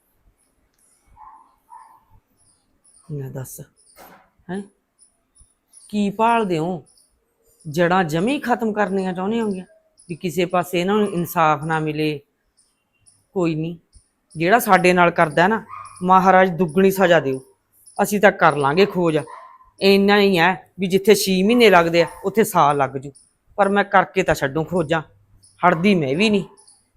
A: ਨਾ ਦੱਸ ਹੈ ਕੀ ਭਾਲਦੇ ਹੋ? ਜੜਾਂ ਜਮੀ ਖਤਮ ਕਰਨੀਆਂ ਚਾਹੁੰਦੇ ਹੋਗੇ ਵੀ ਕਿਸੇ ਪਾਸੇ ਇਹਨਾਂ ਨੂੰ ਇਨਸਾਫ ਨਾ ਮਿਲੇ। ਕੋਈ ਨਹੀਂ, ਜਿਹੜਾ ਸਾਡੇ ਨਾਲ ਕਰਦਾ ਨਾ ਮਹਾਰਾਜ ਦੁੱਗਣੀ ਸਜ਼ਾ ਦਿਓ। ਅਸੀਂ ਤਾਂ ਕਰ ਲਾਂਗੇ ਖੋਜ, ਇੰਨਾ ਹੀ ਹੈ ਵੀ ਜਿੱਥੇ 6 ਮਹੀਨੇ ਲੱਗਦੇ ਆ ਉੱਥੇ ਸਾਲ ਲੱਗ ਜੂ, ਪਰ ਮੈਂ ਕਰਕੇ ਤਾਂ ਛੱਡੂ ਖੋਜਾਂ, ਹਟਦੀ ਮੈਂ ਵੀ ਨਹੀਂ।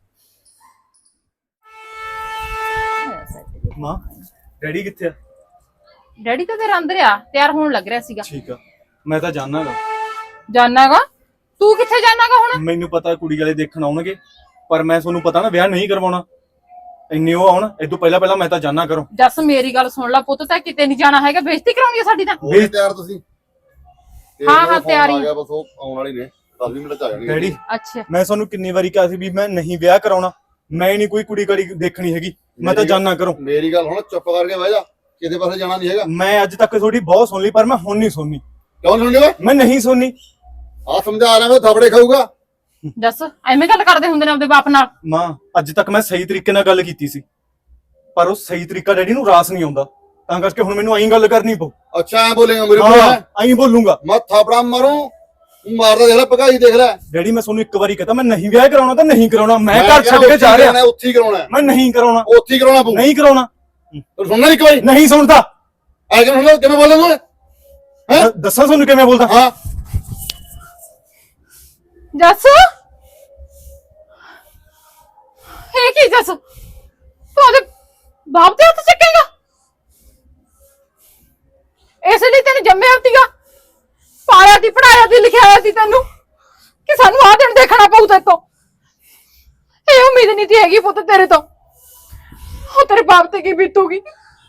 E: ਮਾਂ ਡੈਡੀ ਕਿੱਥੇ ਆ?
C: ਡੈਡੀ ਤਾਂ ਤੇਰਾ ਅੰਦਰ ਆ, ਤਿਆਰ ਹੋਣ ਲੱਗ ਰਿਹਾ ਸੀਗਾ।
E: ਠੀਕ ਆ, ਮੈਂ ਤਾਂ ਜਾਣਾਗਾ।
C: ਜਾਣਾਗਾ? ਤੂੰ ਕਿੱਥੇ ਜਾਣਾਗਾ ਹੁਣ?
E: ਮੈਨੂੰ ਪਤਾ ਕੁੜੀ ਵਾਲੇ ਦੇਖਣ ਆਉਣਗੇ, ਪਰ ਮੈਂ ਤੁਹਾਨੂੰ ਪਤਾ ਨਾ ਵਿਆਹ ਨਹੀਂ ਕਰਵਾਉਣਾ। ਇੰਨੇ ਉਹ ਆਉਣ ਇਹ ਤੋਂ ਪਹਿਲਾਂ ਮੈਂ ਤਾਂ ਜਾਣਾ ਕਰੋ।
C: ਜੱਸ ਮੇਰੀ ਗੱਲ ਸੁਣ ਲੈ ਪੁੱਤ, ਤਾਂ ਕਿਤੇ ਨਹੀਂ ਜਾਣਾ ਹੈਗਾ, ਬੇਇੱਜ਼ਤੀ ਕਰਾਉਣੀ ਆ ਸਾਡੀ ਤਾਂ।
D: ਹੋ ਗਏ ਤਿਆਰ ਤੁਸੀਂ?
C: ਹਾਂ, ਤਿਆਰ ਹੀ।
D: ਆ ਗਿਆ ਬਸ, ਉਹ ਆਉਣ ਵਾਲੀ ਨੇ, 10 ਮਿੰਟ ਚ ਆ ਜਾਣਗੇ।
E: ਡੈਡੀ
C: ਅੱਛਾ
E: ਮੈਂ ਤੁਹਾਨੂੰ ਕਿੰਨੀ ਵਾਰੀ ਕਿਹਾ ਸੀ ਵੀ ਮੈਂ ਨਹੀਂ ਵਿਆਹ ਕਰਾਉਣਾ, ਮੈਂ ਨਹੀਂ ਕੋਈ ਕੁੜੀ ਕਾੜੀ ਦੇਖਣੀ ਹੈਗੀ, ਮੈਂ ਤਾਂ ਜਾਣਾ ਕਰੋ।
D: ਮੇਰੀ ਗੱਲ ਹੁਣ ਚੁੱਪ ਕਰਕੇ ਬਹਿ ਜਾ, ਕਿਤੇ ਪਾਸੇ ਜਾਣਾ ਨਹੀਂ ਹੈਗਾ।
E: ਮੈਂ ਅੱਜ ਤੱਕ ਤੁਹਾਡੀ ਬਹੁਤ ਸੁਣ ਲਈ, ਪਰ ਮੈਂ ਹੁਣ ਨਹੀਂ ਸੁਣਨੀ।
D: ਕਿਉਂ ਨਹੀਂ ਸੁਣਦੇ ਓਏ?
E: ਮੈਂ ਨਹੀਂ ਸੁਣਨੀ।
D: ਆ ਸਮਝਾ ਰਿਹਾ ਮੈਂ, ਥਾਪੜੇ ਖਾਊਗਾ।
C: ਜੱਸ ਐਵੇਂ ਗੱਲ ਕਰਦੇ ਹੁੰਦੇ ਨੇ ਆਪਦੇ ਬਾਪ ਨਾਲ?
E: ਮਾਂ ਅੱਜ ਤੱਕ ਮੈਂ ਸਹੀ ਤਰੀਕੇ ਨਾਲ ਗੱਲ ਕੀਤੀ ਸੀ, ਪਰ ਉਹ ਸਹੀ ਤਰੀਕਾ ਡੈਡੀ ਨੂੰ ਰਾਸ ਨਹੀਂ ਆਉਂਦਾ, ਤਾਂ ਕਰਕੇ ਹੁਣ ਮੈਨੂੰ ਐਂ ਗੱਲ ਕਰਨੀ ਪਊ।
D: ਅੱਛਾ ਐ ਬੋਲੇਗਾ ਮੇਰੇ ਕੋਲ?
E: ਹਾਂ ਐਂ ਬੋਲੂੰਗਾ।
D: ਮੈਂ ਥਾਪੜਾ ਮਾਰੂ, ਮਾਰਦਾ ਦੇਖ ਲੈ, ਭਗਾਈ ਦੇਖ ਲੈ।
E: ਡੈਡੀ ਮੈਂ ਤੁਹਾਨੂੰ ਇੱਕ ਵਾਰੀ ਕਹਤਾ ਮੈਂ ਨਹੀਂ ਵਿਆਹ ਕਰਾਉਣਾ ਤਾਂ ਨਹੀਂ ਕਰਾਉਣਾ, ਮੈਂ ਘਰ ਛੱਡ ਕੇ ਜਾ ਰਿਹਾ।
D: ਉੱਥੇ ਹੀ ਕਰਾਉਣਾ,
E: ਮੈਂ ਨਹੀਂ ਕਰਾਉਣਾ,
D: ਉੱਥੇ ਹੀ ਕਰਾਉਣਾ ਪਊ।
E: ਨਹੀਂ ਕਰਾਉਣਾ।
D: ਤੂੰ ਸੁਣਨਾ ਇੱਕ ਵਾਰੀ?
E: ਨਹੀਂ ਸੁਣਦਾ।
D: ਐ ਕਿਵੇਂ ਸੁਣਦਾ, ਕਿਵੇਂ ਬੋਲਦਾ ਤੂੰ? ਹੈਂ?
E: ਦੱਸਾਂ ਤੁਹਾਨੂੰ ਕਿਵੇਂ ਬੋਲਦਾ?
D: ਹਾਂ
C: ਜੱਸ ਇਹ ਕੀ ਜੱਸ, ਤੂੰ ਉਹਦੇ ਬਾਪ ਦੇ ਹੱਥ ਚੱਕੇਗਾ? ਇਸ ਲਈ ਤੈਨੂੰ ਜੰਮਿਆ ਸੀਗਾ, ਪਾਲਿਆ ਸੀ, ਪੜਾਇਆ ਸੀ, ਲਿਖਾਇਆ ਸੀ ਤੈਨੂੰ ਕਿ ਸਾਨੂੰ ਆਹ ਦਿਨ ਦੇਖਣਾ ਪਊ ਤੇਰੇ ਤੋਂ। ਇਹ ਉਮੀਦ ਨਹੀਂ ਸੀ ਹੈਗੀ ਪੁੱਤ ਤੇਰੇ ਤੋਂ, ਉਹ ਤੇਰੇ ਬਾਪ ਤੇ ਕੀ ਬੀਤੂਗੀ।